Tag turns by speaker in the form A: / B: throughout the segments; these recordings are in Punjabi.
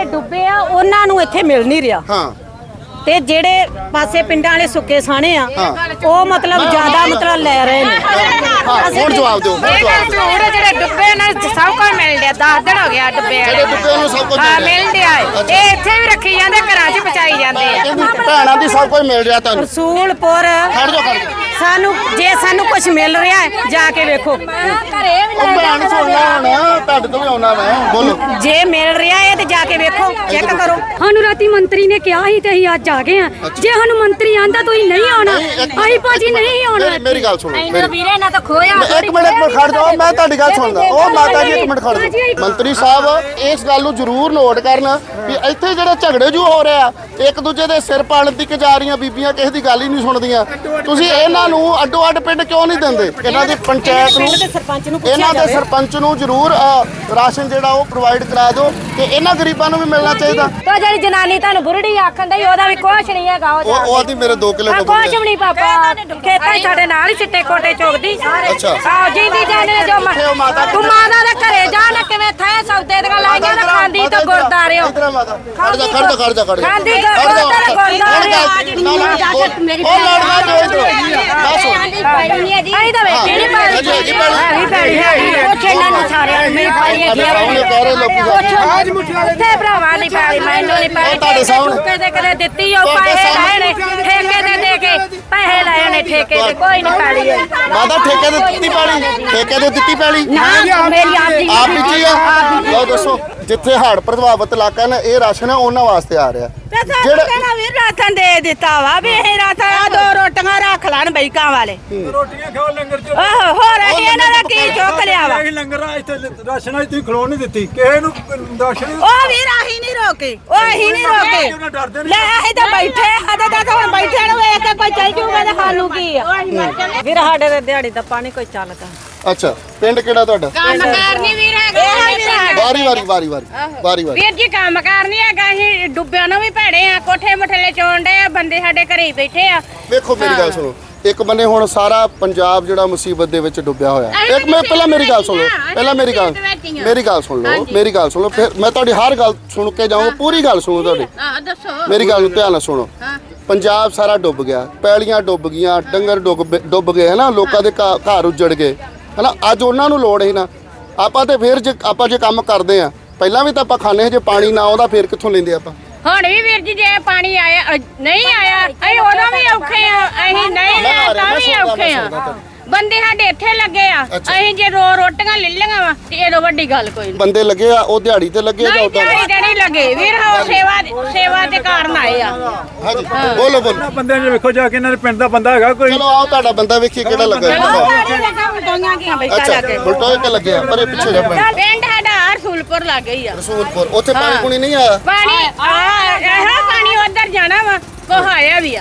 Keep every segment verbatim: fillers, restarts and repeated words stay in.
A: ਡੁੱਬੇ ਆ ਉਹਨਾਂ ਨੂੰ ਇੱਥੇ ਮਿਲ ਨਹੀਂ ਰਿਹਾ
B: ਹਾਂ
A: ਤੇ ਜਿਹੜੇ ਪਾਸੇ ਪਿੰਡਾਂ ਵਾਲੇ ਸੁੱਕੇ ਸਾਣੇ ਆ ਉਹ ਮਤਲਬ ਜ਼ਿਆਦਾ ਮਤਲਬ ਲੈ ਰਹੇ ਨੇ।
B: ਹੁਣ ਜਵਾਬ ਦਿਓ
C: ਜਿਹੜੇ ਡੁੱਬੇ ਨੇ ਸਭ ਕੁਝ ਮਿਲ ਰਿਹਾ ਦਸ ਦਿਨ ਹੋ ਗਿਆ ਡੁੱਬੇ
B: ਜਿਹੜੇ ਡੁੱਬੇ ਨੂੰ ਸਭ ਕੁਝ
C: ਹਾਂ ਮਿਲ ਰਿਹਾ ਇਹ ਇੱਥੇ ਵੀ ਰੱਖੀ ਜਾਂਦੇ ਘਰਾਂ 'ਚ ਪਚਾਈ ਜਾਂਦੇ ਆ
B: ਭੈਣਾਂ ਦੀ ਸਭ ਕੁਝ ਮਿਲ ਰਿਹਾ ਤੁਹਾਨੂੰ
A: ਰਸੂਲਪੁਰ
B: ਖੜ ਜਾਓ ਖੜ ਜਾਓ
A: ਸਾਨੂੰ ਜੇ ਸਾਨੂੰ ਕੁਝ ਮਿਲ ਰਿਹਾ ਹੈ ਜਾ ਕੇ ਵੇਖੋ
B: ਉਹ ਭੈਣ ਸੁਣਨਾ ਹੁਣ ਤੁਹਾਡੇ ਤੋਂ ਵੀ ਆਉਣਾ ਮੈਂ ਬੋਲੋ
A: ਜੇ ਮਿਲ ਰਿਹਾ ਹੈ ਤੇ ਜਾ ਕੇ ਵੇਖੋ ਚੈੱਕ ਕਰੋ।
D: ਸਾਨੂੰ ਰਾਤੀ ਮੰਤਰੀ ਨੇ ਕਿਹਾ ਸੀ ਤੇ ਅਸੀਂ ਅੱਜ ਆ ਗਏ ਆ। ਜੇ ਸਾਨੂੰ ਮੰਤਰੀ ਆਂਦਾ ਤੁਸੀਂ ਨਹੀਂ ਆਉਣਾ ਅਸੀਂ ਭਾਜੀ ਨਹੀਂ ਆਉਣਾ।
B: ਮੇਰੀ ਗੱਲ ਸੁਣੋ ਮੇਰੀ
A: ਵੀਰੇ ਨਾ ਤਾਂ ਖੋਇਆ
B: ਇੱਕ ਮਿੰਟ ਖੜ ਜਾਓ ਮੈਂ ਤੁਹਾਡੀ ਗੱਲ ਸੁਣਦਾ ਉਹ ਮਾਤਾ ਜੀ ਇੱਕ ਮਿੰਟ ਖੜ ਜਾਓ। ਮੰਤਰੀ ਸਾਹਿਬ ਇਸ ਗੱਲ ਨੂੰ ਜ਼ਰੂਰ ਨੋਟ ਕਰਨ ਵੀ ਇੱਥੇ ਜਿਹੜੇ ਝਗੜੇ ਜੂ ਹੋ ਰਹੇ ਆ ਇੱਕ ਦੂਜੇ ਦੇ ਸਿਰ ਪਾਲਣ ਦੀ ਜਾ ਰਹੀਆਂ ਬੀਬੀਆਂ ਕਿਸੇ ਦੀ ਗੱਲ ਹੀ ਨਹੀਂ ਸੁਣਦੀਆਂ ਤੁਸੀਂ ਇਹਨਾਂ ਨੂੰ ਅੱਡੋ ਅੱਡ ਪਿੰਡ ਕਿਉਂ ਨਹੀਂ ਦਿੰਦੇ? ਇਹਨਾਂ ਦੀ ਪੰਚਾਇਤ ਨੂੰ ਇਹਨਾਂ ਦੇ ਸਰਪੰਚ ਨੂੰ ਜ਼ਰੂਰ ਰਾਸ਼ਨ ਜਿਹੜਾ ਉਹ ਪ੍ਰੋਵਾਈਡ ਕਰਾ ਦਿਓ ਤੇ ਇਹਨਾਂ ਗਰੀਬਾਂ ਨੂੰ ਵੀ ਮਿਲਣਾ ਚਾਹੀਦਾ।
C: ਤੇ ਜਿਹੜੀ ਜਨਾਨੀ ਤੁਹਾਨੂੰ ਬੁਰੜੀ ਆਖਣ ਦੀ ਉਹਦਾ ਵੀ ਕੁਛ ਨਹੀਂ ਹੈਗਾ
B: ਉਹ ਉਹ ਆਦੀ ਮੇਰੇ ਦੋ ਕਿਲੋ
C: ਕੁਛ ਵੀ ਨਹੀਂ ਪਾਪਾ ਖੇਤਾਂ ਸਾਡੇ ਨਾਲ ਹੀ ਚਿੱਟੇ ਕੋਟੇ ਚੋਗਦੀ
B: ਅੱਛਾ
C: ਆਹ ਜਿੰਦੀ ਜਾਨੇ ਜੋ ਤੂੰ ਮਾਤਾ ਦੇ ਘਰੇ ਜਾ ਨਾ ਕਿਵੇਂ ਥੈ ਸੌਦੇ ਦੀਆਂ ਲਾਈਆਂ ਨਾ ਖਾਂਦੀ ਤੇ ਗੁਰਦਾਰੇ ਹੋ
B: ਇਧਰ ਮਾਤਾ ਖੜ ਜਾ ਖੜ ਜਾ ਖੜ ਜਾ ਖੜ ਜਾ
C: ਖਾਂਦੀ ਗੁਰਦਾਰੇ
B: ਮੇਰੀ ਉਹ ਲੜਨਾ ਜੋ ਇਧਰ ਦੱਸੋ
C: ਆਈ ਤਾਂ ਵੇਖੀ ਨਹੀਂ ਪਾਈ ਆਹੀ ਪੈੜੀ ਹੈਗੀ ਪੁੱਛ ਇਹਨਾਂ ਨੂੰ ਸਾਰਿਆਂ ਮੇਰੀ ਪਾਈ ਹੈਗੀ
B: ਸਾਹਮਣੇ ਕਹਿ ਰਹੇ ਲੋਕੀ
C: ਉੱਥੇ ਭਰਾਵਾਂ ਨਹੀਂ ਪਾਈ ਮੈਨੂੰ ਨਹੀਂ ਪਾਈ
B: ਤੁਹਾਡੇ ਸਾਹਮਣੇ
C: ਕਦੇ ਕਦੇ ਦਿੱਤੀ ਉਹ ਪੈਸੇ ਲਏ ਨੇ ਠੇਕੇ ਦੇ ਦੇ ਕੇ ਪੈਸੇ ਲਏ ਨੇ ਠੇਕੇ ਤੇ ਕੋਈ ਨਹੀਂ ਪਾਲੀ
B: ਮਾਤਾ ਠੇਕੇ ਦੇ ਦਿੱਤੀ ਪਾਲੀ ਠੇਕੇ ਦੇ ਦਿੱਤੀ ਪਾਲੀ
C: ਮੇਰੀ ਆਪਦੀ
B: ਆਪ ਵਿੱਚ ਹੀ ਆ ਲਓ ਦੱਸੋ ਜਿੱਥੇ ਹੜ੍ਹ ਪ੍ਰਭਾਵਿਤ ਇਲਾਕਾ ਨੇ ਇਹ ਰਾਸ਼ਨ ਹੈ ਉਹਨਾਂ ਵਾਸਤੇ ਆ ਰਿਹਾ
A: ਜਿਹੜਾ ਵੀ ਰਾਸ਼ਨ ਦੇ ਦਿੱਤਾ ਵਾ ਵੀ ਇਹ ਰਾਸ਼ਨ ਆ ਦੋ ਰੋਟੀਆਂ ਰੱਖ ਲੈਣ ਬਈਕਾਂ ਵਾਲੇ
E: ਰੋਟੀਆਂ ਖਾਓ ਲੰਗਰ ਚ
A: ਆਹੋ ਹੋਰ ਅਸੀਂ ਇਹਨਾਂ ਦਾ ਕੀ ਚੁੱਕ ਲਿਆ ਵਾ
E: ਇਹ ਲੰਗਰ ਆ ਇੱਥੇ ਰਾਸ਼ਨ ਅੱਜ ਤੁਸੀਂ ਖਲੋ ਨਹੀਂ ਦਿੱਤੀ ਕਿਸੇ ਨੂੰ ਰਾਸ਼ਨ
A: ਉਹ ਵੀ ਰਾਹੀ ਨਹੀਂ ਰੋਕੇ ਉਹ ਅਸੀਂ ਨਹੀਂ ਰੋਕੇ ਲੈ ਅਸੀਂ ਤਾਂ ਬੈਠੇ ਹੱਦ ਦਾ ਹੁਣ ਬੈਠੇ ਨੂੰ ਵੇਖ ਕੇ ਕੋਈ ਚੱਲ ਜੂਗਾ ਤੇ ਸਾਨੂੰ ਕੀ ਆ ਵੀਰ ਸਾਡੇ ਦੇ ਦਿਹਾੜੀ ਦਾ ਪਾਣੀ ਕੋਈ ਚੱਲਦਾ।
B: ਅੱਛਾ ਪਿੰਡ ਕਿਹੜਾ ਤੁਹਾਡਾ?
C: ਕੰਮ ਕਰਨੀ ਵੀਰ ਹੈਗਾ
B: ਵਾਰੀ ਵਾਰੀ ਵਾਰੀ ਵਾਰੀ ਵਾਰੀ ਵਾਰੀ
C: ਵੀਰ ਜੀ ਕੰਮ ਕਰਨੀ ਹੈਗਾ ਅਸੀਂ ਡੁੱਬਿਆਂ ਨੂੰ ਵੀ ਭੈੜੇ ਆ ਕੋਠੇ ਮਠਲੇ ਚੋਣ ਦੇ ਆ ਬੰਦੇ ਸਾਡੇ ਘਰੇ ਹੀ ਬੈਠੇ ਆ।
B: ਵੇਖੋ ਮੇਰੀ ਗੱਲ ਸੁਣੋ ਇੱਕ ਬੰਨੇ ਹੁਣ ਸਾਰਾ ਪੰਜਾਬ ਜਿਹੜਾ ਮੁਸੀਬਤ ਦੇ ਵਿੱਚ ਡੁੱਬਿਆ ਹੋਇਆ ਇੱਕ ਮੈਂ ਪਹਿਲਾਂ ਮੇਰੀ ਗੱਲ ਸੁਣ ਲਓ ਪਹਿਲਾਂ ਮੇਰੀ ਗੱਲ ਮੇਰੀ ਗੱਲ ਸੁਣ ਲਓ ਮੇਰੀ ਗੱਲ ਸੁਣ ਲਓ ਫਿਰ ਮੈਂ ਤੁਹਾਡੀ ਹਰ ਗੱਲ ਸੁਣ ਕੇ ਜਾਊਂਗਾ ਪੂਰੀ ਗੱਲ ਸੁਣੋ ਤੁਹਾਡੀ
C: ਹਾਂ ਦੱਸੋ
B: ਮੇਰੀ ਗੱਲ ਨੂੰ ਧਿਆਨ ਨਾਲ ਸੁਣੋ ਪੰਜਾਬ ਸਾਰਾ ਡੁੱਬ ਗਿਆ ਪੈਲੀਆਂ ਡੁੱਬ ਗਈਆਂ ਡੰਗਰ ਡੁੱਬ ਡੁੱਬ ਗਏ ਹਨਾ ਲੋਕਾਂ ਦੇ ਘਰ ਉੱਜੜ ਗਏ ਹਨਾ ਅੱਜ ਉਹਨਾਂ ਨੂੰ ਲੋੜ ਹੈ ਨਾ ਆਪਾਂ ਤੇ ਫਿਰ ਜੇ ਆਪਾਂ ਜੇ ਕੰਮ ਕਰਦੇ ਆ ਪਹਿਲਾਂ ਵੀ ਤਾਂ ਆਪਾਂ ਖਾਣੇ ਜੇ ਪਾਣੀ ਨਾ ਆਉਂਦਾ ਫਿਰ ਕਿੱਥੋਂ ਲੈਂਦੇ ਆਪਾਂ
C: ਹੁਣ ਵੀ ਵੀਰ ਜੀ ਜੇ ਪਾਣੀ ਆਇਆ ਨਹੀਂ ਆਇਆ ਅਸੀਂ ਉਦੋਂ ਵੀ ਔਖੇ ਆ ਅਸੀਂ ਨਹੀਂ ਲਿਆ ਤਾਂ ਵੀ ਔਖੇ ਆ ਬੰਦੇ ਸਾਡੇ ਇੱਥੇ ਲੱਗੇ ਆ ਅਸੀਂ ਜੇ ਰੋ ਰੋਟੀਆਂ ਲੈ ਲਈਆਂ ਵਾ ਤੇ ਇਹੋ ਵੱਡੀ ਗੱਲ ਕੋਈ ਨਹੀਂ
B: ਬੰਦੇ ਲੱਗੇ ਆ ਉਹ ਦਿਹਾੜੀ ਤੇ ਲੱਗੇ ਜਾਂ ਉਦਾਂ
C: ਦਿਹਾੜੀ ਤੇ ਨਹੀਂ ਲੱਗੇ ਵੀਰ ਹੋ ਸੇਵਾ ਸੇਵਾ ਦੇ ਕਾਰਨ ਆਏ ਆ
B: ਹਾਂਜੀ ਬੋਲੋ ਬੋਲੋ
E: ਬੰਦੇ ਨੇ ਵੇਖੋ ਜਾ ਕੇ ਇਹਨਾਂ ਦੇ ਪਿੰਡ ਦਾ ਬੰਦਾ ਹੈਗਾ ਕੋਈ
B: ਚਲੋ ਆਓ ਤੁਹਾਡਾ ਬੰਦਾ ਵੇਖੀਏ ਕਿਹੜਾ ਲੱਗਾ ਅੱਛਾ ਬਲਟੋਏ ਤੇ ਲੱਗਿਆ ਪਰ ਇਹ ਪਿੱਛੇ ਜਾ ਪਿੰਡ
C: ਪਿੰਡ ਸਾਡਾ ਰਸੂਲਪੁਰ ਲੱਗ ਗਈ ਆ
B: ਰਸੂਲਪੁਰ ਉੱਥੇ ਪਾਣੀ ਪੂਣੀ ਨਹੀਂ ਆਇਆ
C: ਪਾਣੀ ਆ ਇਹ ਪਾਣੀ ਉਧਰ ਜਾਣਾ ਵਾ ਕੋਹ ਆਇਆ ਵੀ ਆ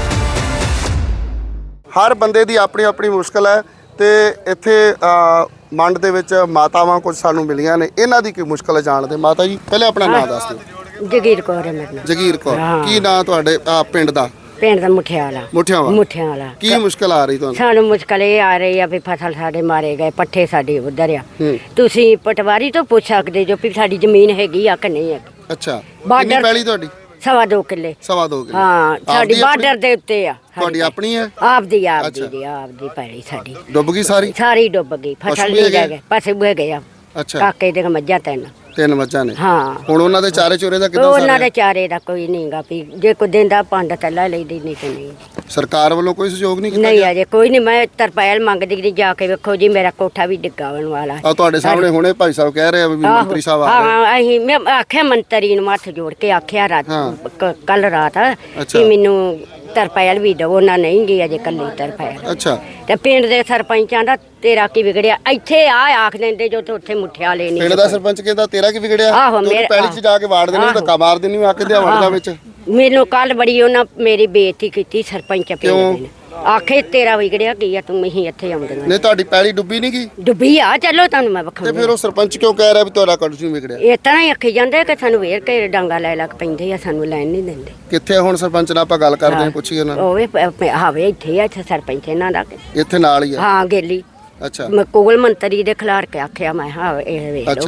B: ਹਰ ਬੰਦੇ ਦੀ ਆਪਣੀ ਆਪਣੀ ਮੁਸ਼ਕਲ ਹੈ ਤੇ ਇੱਥੇ ਮੰਡ ਦੇ ਵਿੱਚ ਮਾਤਾਵਾਂ ਕੁਝ ਸਾਨੂੰ ਮਿਲੀਆਂ ਨੇ ਇਹਨਾਂ ਦੀ ਕੀ ਮੁਸ਼ਕਲ ਹੈ ਜਾਣਦੇ ਮਾਤਾ ਜੀ ਪਹਿਲੇ ਆਪਣਾ ਨਾਮ ਦੱਸ ਦਿਓ।
D: ਜਗੀਰ ਕੌਰ ਹੈ ਮੇਰਾ ਨਾਮ।
B: ਜਗੀਰ ਕੌਰ ਕੀ ਨਾਂ ਤੁਹਾਡੇ ਪਿੰਡ ਦਾ?
D: ਪਿੰਡ ਦਾ ਮੁੱਠਿਆਂ ਵਾਲਾ।
B: ਮੁੱਠਿਆਂ ਵਾਲਾ
D: ਮੁੱਠਿਆਂ ਵਾਲਾ
B: ਕੀ ਮੁਸ਼ਕਲ ਆ ਰਹੀ ਤੁਹਾਨੂੰ?
D: ਸਾਨੂੰ ਮੁਸ਼ਕਲ ਇਹ ਆ ਰਹੀ ਆ ਵੀ ਫਸਲ ਸਾਡੇ ਮਾਰੇ ਗਏ ਪੱਠੇ ਸਾਡੇ ਉਧਰ ਆ ਤੁਸੀਂ ਪਟਵਾਰੀ ਤੋਂ ਪੁੱਛ ਸਕਦੇ ਜੋ ਵੀ ਸਾਡੀ ਜ਼ਮੀਨ ਹੈਗੀ ਆ ਕਿ ਨਹੀਂ ਹੈ।
B: ਅੱਛਾ ਕਿੰਨੀ ਪੈਲੀ ਤੁਹਾਡੀ?
D: ਸਵਾ ਦੋ ਕਿੱਲੇ
B: ਸਵਾ ਦੋ ਕਿੱਲੇ
D: ਹਾਂ ਸਾਡੀ ਬਾਰਡਰ ਦੇ ਉੱਤੇ ਆ।
B: ਤੁਹਾਡੀ ਆਪਣੀ ਹੈ?
D: ਆਪਦੀ ਆਪਦੀ ਆਪਦੀ ਪੈਲੀ ਸਾਡੀ
B: ਡੁੱਬ ਗਈ ਸਾਰੀ?
D: ਸਾਰੀ ਡੁੱਬ ਗਈ ਫਸਲ ਨਹੀਂ ਰਹਿ ਗਈ ਪਸ਼ੂ ਬਹਿ ਗਏ ਆ।
B: ਅੱਛਾ
D: ਕਾਕੇ ਦੇ ਮੱਝਾਂ ਤਿੰਨ
B: ਤਿੰਨ ਮੱਝਾਂ ਨੇ
D: ਹਾਂ
B: ਹੁਣ ਉਹਨਾਂ ਦੇ ਚਾਰੇ ਚੋਰੇ ਦਾ ਕਿਦਾਂ?
D: ਉਹਨਾਂ ਦੇ ਚਾਰੇ ਦਾ ਕੋਈ ਨਹੀਂਗਾ ਵੀ ਜੇ ਕੋਈ ਦਿੰਦਾ ਪੰਡ ਤੱਲਾ ਲੈਦੀ ਨਹੀਂ ਕਿ ਨਹੀਂ
B: ਸਰਕਾਰ ਵੱਲੋਂ ਕੋਈ ਸਹਿਯੋਗ ਨਹੀਂ ਕੀਤਾ?
D: ਨਹੀਂ ਅਜੇ ਕੋਈ ਨਹੀਂ ਮੈਂ ਤਰਪਾਲ ਮੰਗਦੀ ਕਿ ਜਾ ਕੇ ਵੇਖੋ ਜੀ ਮੇਰਾ ਕੋਠਾ ਵੀ ਡਿੱਗਾਉਣ ਵਾਲਾ
B: ਆ ਤੁਹਾਡੇ ਸਾਹਮਣੇ ਹੁਣੇ ਭਾਈ ਸਾਹਿਬ ਕਹਿ ਰਹੇ ਆ ਵੀ ਮੰਤਰੀ ਸਾਹਿਬ ਆ ਗਏ।
D: ਹਾਂ ਅਸੀਂ ਮੈਂ ਆਖਿਆ ਮੰਤਰੀ ਨੂੰ ਹੱਥ ਜੋੜ ਕੇ ਆਖਿਆ ਰਾਤ ਕੱਲ ਰਾਤ ਕਿ ਮੈਨੂੰ ਤਰਪਾਲ ਵੀ ਦਿਓ ਉਹਨਾਂ ਨਹੀਂ ਗਈ ਅਜੇ ਕੱਲੀ ਤਰਪਾਲ।
B: ਅੱਛਾ
D: ਤੇ ਪਿੰਡ ਦੇ ਸਰਪੰਚਾਂ ਦਾ ਤੇਰਾ ਕੀ ਵਿਗੜਿਆ ਇੱਥੇ ਆ ਆਖ ਦਿੰਦੇ ਜੋ ਉੱਥੇ ਮੁੱਠਿਆ ਲੈ ਨਹੀਂ
B: ਪਿੰਡ ਦਾ ਸਰਪੰਚ ਕਹਿੰਦਾ ਤੇਰਾ ਕੀ ਵਿਗੜਿਆ?
D: ਆਹੋ ਮੇਰੇ
B: ਪਹਿਲੀ ਚ ਜਾ ਕੇ ਵਾੜ ਦੇਣੀ ਧੱਕਾ ਮਾਰ ਦੇਣੀ ਆਖਦੇ ਆ ਵੜਦਾ ਵਿੱਚ।
D: ਮੈਨੂੰ ਕੱਲ ਬੜੀ ਉਹਨਾਂ ਮੇਰੀ ਬੇਇੱਜ਼ਤੀ ਕੀਤੀ ਸਰਪੰਚ ਪਿੰਡ ਦੇ ਆਖੇ ਤੇਰਾ ਵਿਗੜਿਆ ਕੀ ਆ ਤੂੰ ਮਹੀਂ ਇੱਥੇ ਆਉਂਦੀਆਂ
B: ਨਹੀਂ ਤੁਹਾਡੀ ਪੈਲੀ ਡੁੱਬੀ ਨਹੀਂ ਗਈ?
D: ਡੁੱਬੀ ਆ ਚਲੋ ਤੁਹਾਨੂੰ ਮੈਂ ਵਿਖਾਉਂਦੀ
B: ਤੇ ਫਿਰ ਉਹ ਸਰਪੰਚ ਕਿਉਂ ਕਹਿ ਰਿਹਾ ਵੀ ਤੁਹਾਡਾ ਕੁਝ ਨਹੀਂ ਵਿਗੜਿਆ?
D: ਇਸ ਤਰ੍ਹਾਂ ਹੀ ਆਖੀ ਜਾਂਦੇ ਕਿ ਸਾਨੂੰ ਵੇਰ ਕੇ ਡਾਂਗਾ ਲੈ ਲੱਗ ਪੈਂਦੇ ਆ ਸਾਨੂੰ ਲੈਣ ਨਹੀਂ ਦਿੰਦੇ।
B: ਕਿੱਥੇ ਹੁਣ ਸਰਪੰਚ ਨਾਲ ਆਪਾਂ ਗੱਲ ਕਰਦੇ ਹਾਂ ਪੁੱਛੀਏ ਉਹਨਾਂ ਨੂੰ।
D: ਉਹ ਹਾਵੇ ਇੱਥੇ ਆ ਇੱਥੇ ਸਰਪੰਚ ਇਹਨਾਂ ਦਾ
B: ਇੱਥੇ ਨਾਲ ਹੀ ਆ?
D: ਹਾਂ ਗੇਲੀ
B: ਅੱਛਾ
D: ਮੈਂ ਕੋਲ ਮੰਤਰੀ ਦੇ ਖਿਲਾਰ ਕੇ ਆਖਿਆ ਮੈਂ ਹਾਂ ਇਹ ਵੇਖ ਲਓ
B: ਅੱਛਾ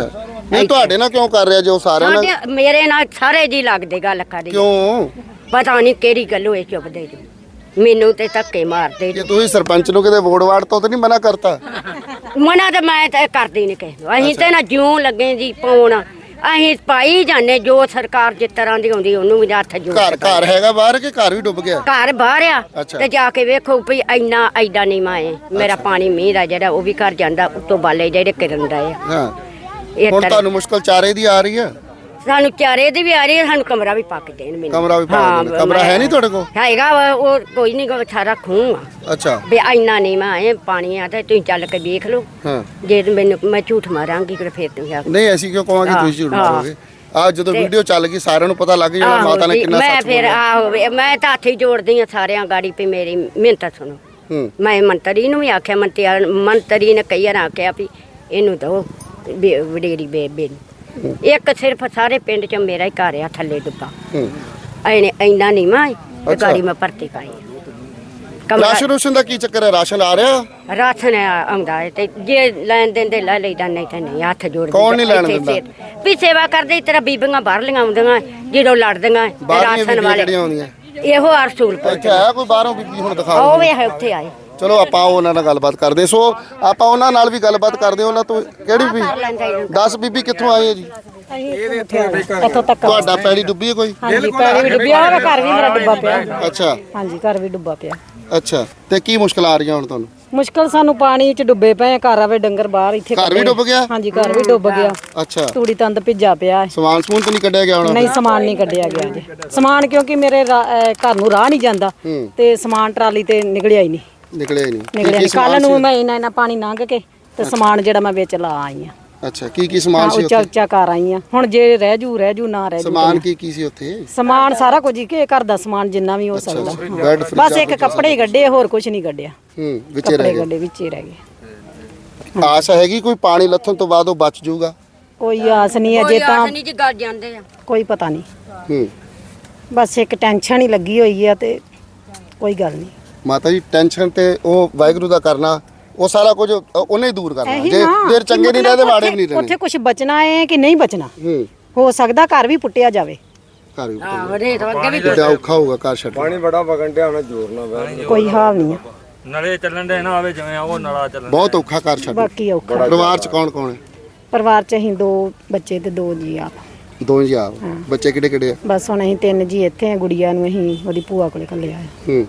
B: ਨਹੀਂ ਤੁਹਾਡੇ ਨਾਲ ਕਿਉਂ ਕਰ ਰਿਹਾ ਜੋ ਸਾਰਿਆਂ ਨਾਲ
D: ਸਾਡੇ ਮੇਰੇ ਨਾਲ ਸਾਰੇ ਜੀ ਲੱਗਦੇ ਗੱਲ ਕਰੀ
B: ਕਿਉਂ
D: ਪਤਾ ਨਹੀਂ ਕਿਹੜੀ ਗੱਲ ਹੋਏ ਚੁੱਪਦੇ ਜੀ ਮੈਨੂੰ ਤੇ ਧੱਕੇ ਮਾਰਦੇ
B: ਕਿ ਤੁਸੀਂ ਸਰਪੰਚ ਨੂੰ ਕਿਤੇ ਵੋਟ ਵਾੜ ਤੋਂ ਤਾਂ ਨਹੀਂ ਮਨਾ ਕਰਤਾ
D: ਮਨਾ ਤੇ ਮੈਂ ਤੇ ਕਰਦੀ ਨਹੀਂ ਕਿਸੇ ਨੂੰ ਅਸੀਂ ਤੇ ਨਾ ਜਿਉਂ ਲੱਗੇ ਜੀ ਪਾਉਣ ਅਸੀਂ ਪਾਈ ਜਾਂਦੇ ਜੋ ਸਰਕਾਰ ਜਿਸ ਤਰ੍ਹਾਂ ਦੀ ਆਉਂਦੀ ਉਹਨੂੰ ਵੀ ਹੱਥ ਜੋੜ
B: ਘਰ ਘਰ ਹੈਗਾ ਬਾਹਰ ਕਿ ਘਰ ਵੀ ਡੁੱਬ ਗਿਆ
D: ਘਰ ਬਾਹਰ ਆ
B: ਅੱਛਾ।
D: ਤੇ ਜਾ ਕੇ ਵੇਖੋ ਵੀ ਇੰਨਾ ਐਡਾ ਨਹੀਂ ਮਾਏ ਮੇਰਾ ਪਾਣੀ ਮੀਂਹ ਦਾ ਜਿਹੜਾ ਉਹ ਵੀ ਘਰ ਜਾਂਦਾ ਉੱਤੋਂ ਬਾਲੇ ਜਿਹੜੇ ਕਿਰਨ ਦਾ ਆ
B: ਹਾਂ
D: ਇਹ
B: ਹੁਣ
D: ਤਰ੍ਹਾਂ
B: ਤੁਹਾਨੂੰ ਮੁਸ਼ਕਲ ਚਾਰੇ ਦੀ ਆ ਰਹੀ ਆ
D: ਸਾਨੂੰ ਚਾਰੇ ਦੀ ਵੀ ਆ ਰਹੀ ਹੈ ਸਾਨੂੰ ਕਮਰਾ ਵੀ ਪੱਕ ਦੇਣ ਮੈਨੂੰ
B: ਕਮਰਾ ਵੀ ਪਾ
D: ਹਾਂ,
B: ਦੇਣਾ ਕਮਰਾ ਹੈ ਨਹੀਂ ਤੁਹਾਡੇ ਕੋਲ
D: ਹੈਗਾ ਵਾ, ਉਹ ਕੋਈ ਨਹੀਂ ਗਾ ਸਾਰਾ ਖੂਹ ਆ
B: ਅੱਛਾ
D: ਵੀ ਇੰਨਾ ਨਹੀਂ ਮਾਏ ਪਾਣੀ ਆ ਤੇ ਤੁਸੀਂ ਚੱਲ ਕੇ ਵੇਖ ਲਓ
B: ਹਾਂ
D: ਜੇ ਮੈਨੂੰ ਮੈਂ ਝੂਠ ਮਾਰਾਂਗੀ ਕਿ ਫਿਰ ਤੁਸੀਂ ਆਖੋ।
B: ਨਹੀਂ ਐਸੀ ਕਿਉਂ ਕਹਾਂਗੇ ਤੁਸੀਂ ਝੂਠ
D: ਹਾਂ।
B: ਮਾਰੋਗੇ ਆ ਜਦੋਂ ਵੀਡੀਓ ਚੱਲ ਗਈ ਸਾਰਿਆਂ ਨੂੰ ਪਤਾ ਲੱਗ ਜਾਣਾ
D: ਆਹੋ
B: ਮਾਤਾ ਨੇ
D: ਜੀ,
B: ਕਿੰਨਾ
D: ਮੈਂ
B: ਸੱਚ
D: ਫਿਰ
B: ਬੋਲਿਆ
D: ਆਹੋ ਵੀ ਮੈਂ ਤਾਂ ਹੱਥ ਹੀ ਜੋੜਦੀ ਆ ਸਾਰਿਆਂ ਗਾੜੀ ਪਈ ਮੇਰੀ ਮਿਹਨਤ ਸੁਣੋ
B: ਹੂੰ
D: ਮੈਂ ਮੰਤਰੀ ਨੂੰ ਵੀ ਆਖਿਆ ਮੰਤਰੀ ਮੰਤਰੀ ਨੇ ਕਈ ਵਾਰ ਆਖਿਆ ਵੀ ਇਹਨੂੰ ਦੋ ਵਡੇਰੀ ਬੇਬੇ ਨੂੰ ਇੱਕ ਸਿਰਫ ਸਾਰੇ ਪਿੰਡ ਚ ਮੇਰਾ ਹੀ ਘਰ ਆ ਥੱਲੇ ਡੁੱਬਾ
B: ਹੂੰ
D: ਐਨੇ ਇੰਨਾ ਨਹੀਂ ਮੈਂ ਤੇ
B: ਅੱਛਾ।
D: ਗਾੜੀ ਮੈਂ ਭਰਤੀ ਪਾਈ ਕਮਰਾ
B: ਰਾਸ਼ਨ ਰੂਸ਼ਨ ਦਾ ਕੀ ਚੱਕਰ ਹੈ ਰਾਸ਼ਨ ਆ ਰਿਹਾ
D: ਰਾਸ਼ਨ ਆਉਂਦਾ ਹੈ ਤੇ ਜੇ ਲੈਣ ਦਿੰਦੇ ਲੈ ਲਈਦਾ ਨਹੀਂ ਤਾਂ ਨਹੀਂ ਹੱਥ ਜੋੜ
B: ਕੌਣ ਨਹੀਂ ਲੈਣ ਦਿੰਦਾ?
D: ਵੀ ਸੇਵਾ ਕਰਦੇ ਤੇਰਾ ਬੀਬੀਆਂ ਬਾਹਰਲੀਆਂ ਆਉਂਦੀਆਂ ਜਦੋਂ ਲੜਦੀਆਂ ਤੇ
B: ਬਾਹਰਲੀਆਂ
D: ਰਾਸ਼ਨ
B: ਬੀਬੀਆਂ
D: ਵਾਲੇ
B: ਕਿਹੜੀਆਂ ਆਉਂਦੀਆਂ
D: ਇਹੋ ਰਸੂਲਪੁਰ
B: ਇੱਥੇ ਆਇਆ ਕੋਈ ਬਾਹਰੋਂ ਬੀਬੀ ਹੁਣ ਦਿਖਾ
D: ਉਹ
B: ਦਿਓ।
D: ਵੇ ਉੱਥੇ ਆਏ
B: ਚਲੋ ਆਪਾਂ ਉਹਨਾਂ ਨਾਲ ਗੱਲਬਾਤ ਕਰਦੇ ਸੋ ਆਪਾਂ ਉਹਨਾਂ ਨਾਲ ਵੀ ਗੱਲਬਾਤ ਕਰਦੇ ਉਹਨਾਂ ਤੋਂ ਕਿਹੜੀ ਵੀ ਦਸ ਬੀਬੀ ਕਿੱਥੋਂ ਆਈ ਹੈ ਜੀ
A: ਇੱਥੋਂ ਤੱਕ
B: ਤੁਹਾਡਾ ਪੈਲੀ ਡੁੱਬੀ ਹੈ ਕੋਈ
A: ਹਾਂਜੀ ਪੈਰ ਵੀ ਡੁੱਬਿਆ ਹੋਇਆ ਘਰ ਵੀ ਮੇਰਾ ਡੁੱਬਾ ਪਿਆ
B: ਅੱਛਾ
A: ਹਾਂਜੀ ਘਰ ਵੀ ਡੁੱਬਾ ਪਿਆ
B: ਅੱਛਾ ਤੇ ਕੀ ਮੁਸ਼ਕਲ ਆ ਰਹੀਆਂ ਹੁਣ ਤੁਹਾਨੂੰ
A: ਮੁਸ਼ਕਲ ਸਾਨੂੰ ਪਾਣੀ ਚ ਡੁੱਬੇ ਪਏ ਘਰ ਆਵੇ ਡੰਗਰ ਬਾਹਰ ਇੱਥੇ
B: ਘਰ ਵੀ
A: ਕੱਢੇ।
B: ਡੁੱਬ ਗਿਆ
A: ਹਾਂਜੀ ਘਰ ਵੀ ਡੁੱਬ ਗਿਆ
B: ਅੱਛਾ
A: ਤੂੜੀ ਤੰਦ ਭਿੱਜਾ ਪਿਆ ਹੈ।
B: ਸਮਾਨ ਸਮੂਨ ਤਾਂ ਨਹੀਂ ਕੱਢਿਆ ਗਿਆ ਹੁਣ
A: ਨਹੀਂ ਸਮਾਨ ਨਹੀਂ ਕੱਢਿਆ ਗਿਆ ਜੀ ਸਮਾਨ ਕਿਉਂਕਿ ਮੇਰੇ ਰਾ- ਅਹ ਘਰ ਨੂੰ ਰਾਹ ਨਹੀਂ ਜਾਂਦਾ
B: ਹੂੰ।
A: ਤੇ ਸਮਾਨ ਟਰਾਲੀ ਤੇ ਨਿਕਲਿਆ ਹੀ ਨਹੀਂ
B: ਨਿਕਲਿਆ ਹੀ ਨਹੀਂ ਕੀ
A: ਨਿਕਲਿਆ
B: ਕੀ
A: ਨਹੀਂ ਕੱਲ
B: ਸਮਾਨ
A: ਨੂੰ
B: ਸੀ?
A: ਮੈਂ ਇੰਨਾ ਇੰਨਾ ਪਾਣੀ ਲੰਘ ਕੇ ਤੇ ਸਮਾਨ ਜਿਹੜਾ ਮੈਂ ਵਿੱਚ ਲਾ ਆਈ ਆ
B: ਅੱਛਾ ਕੀ ਕੀ ਸਮਾਨ ਸੀ
A: ਉੱਚਾ
B: ਉੱਥੇ
A: ਉੱਚਾ ਕਰ ਆਈ ਆ ਹੁਣ ਜੇ ਰਹਿ ਜੂ ਰਹਿ ਜੂ ਨਾ ਰਹਿ ਜੂ
B: ਸਮਾਨ ਕੀ ਕੀ ਸੀ ਉੱਥੇ
A: ਸਮਾਨ ਸਾਰਾ ਕੁਝ ਹੀ ਕਿ ਘਰ ਦਾ ਸਮਾਨ ਜਿੰਨਾ ਵੀ ਹੋ ਸਕਦਾ
B: ਬੈੱਡ ਫ੍ਰਿਜ
A: ਬਸ ਇੱਕ ਕੱਪੜੇ ਹੀ ਗੱਡੇ ਹੋਰ ਕੁਝ ਨਹੀਂ ਗੱਡਿਆ
B: ਹੂੰ ਵਿੱਚੇ ਰਹਿ
A: ਕੱਪੜੇ
B: ਗਏ
A: ਗੱਡੇ ਵਿੱਚ ਹੀ ਰਹਿ ਗਏ
B: ਆਸ ਹੈਗੀ ਕੋਈ ਪਾਣੀ ਲੱਥਣ ਤੋਂ ਬਾਅਦ ਉਹ ਬਚ ਜਾਊਗਾ
A: ਕੋਈ ਆਸ ਨਹੀਂ ਅਜੇ ਤਾਂ
D: ਨਹੀਂ ਜੀ ਗੱਲ ਜਾਂਦੇ ਆ
A: ਕੋਈ ਪਤਾ ਨਹੀਂ
B: ਹੂੰ
A: ਬਸ ਇੱਕ ਟੈਨਸ਼ਨ ਹੀ ਲੱਗੀ ਹੋਈ ਆ ਤੇ ਕੋਈ ਗੱਲ ਨਹੀਂ
B: ਮਾਤਾ ਜੀ ਟੈਨਸ਼ਨ ਤੇ ਉਹ ਵਾਹਿਗੁਰੂ ਦਾ ਕਰਨਾ ਉਹ ਸਾਰਾ ਕੁਝ ਉਹਨੇ ਹੀ ਦੂਰ ਕਰਨਾ
A: ਇਹੀ
B: ਜੇ
A: ਨਾ
B: ਦੇਰ ਚੰਗੇ ਨਹੀਂ ਰਹਦੇ ਮਾੜੇ ਵੀ ਨਹੀਂ
A: ਉੱਥੇ-
B: ਰਹਿਣੇ
A: ਉੱਥੇ ਕੁਝ ਬਚਣਾ ਹੈ ਕਿ ਨਹੀਂ ਬਚਣਾ
B: ਹੂੰ
A: ਹੋ ਸਕਦਾ ਘਰ ਵੀ ਪੁੱਟਿਆ ਜਾਵੇ
B: ਘਰ ਵੀ
D: ਆਹ ਰੇਤ ਅੱਗੇ ਵੀ
B: ਬੜਾ ਔਖਾ ਹੋਊਗਾ ਘਰ ਛੱਡਣਾ
E: ਪਾਣੀ ਬੜਾ ਵਗਣ ਡਿਆ ਹੁਣ ਜ਼ੋਰ ਨਾਲ ਵਹਿ
A: ਕੋਈ ਹਾਲ ਨਹੀਂ ਆ
F: ਨਲੇ ਚੱਲਣ ਦੇ ਨਾ ਆਵੇ ਜਿਵੇਂ ਉਹ ਨਲਾ ਚੱਲਣ
B: ਬਹੁਤ ਔਖਾ ਘਰ ਛੱਡਣਾ
A: ਬਾਕੀ ਔਖਾ
B: ਪਰਿਵਾਰ ਚ ਕੌਣ ਕੌਣ ਹੈ
A: ਪਰਿਵਾਰ ਚ ਅਸੀਂ ਦੋ ਬੱਚੇ ਤੇ ਦੋ ਜੀ ਆਪ
B: ਦੋ ਜੀ ਆਪ ਬੱਚੇ ਕਿਹੜੇ ਕਿਹੜੇ ਆ
A: ਬਸ ਹੁਣ ਅਸੀਂ ਤਿੰਨ ਜੀ ਇੱਥੇ ਆ ਗੁੜੀਆ ਨੂੰ ਅਸੀਂ ਉਹਦੀ ਭੂਆ ਕੋਲੇ ਘੱਲਿਆ ਹੈ
B: ਹੂੰ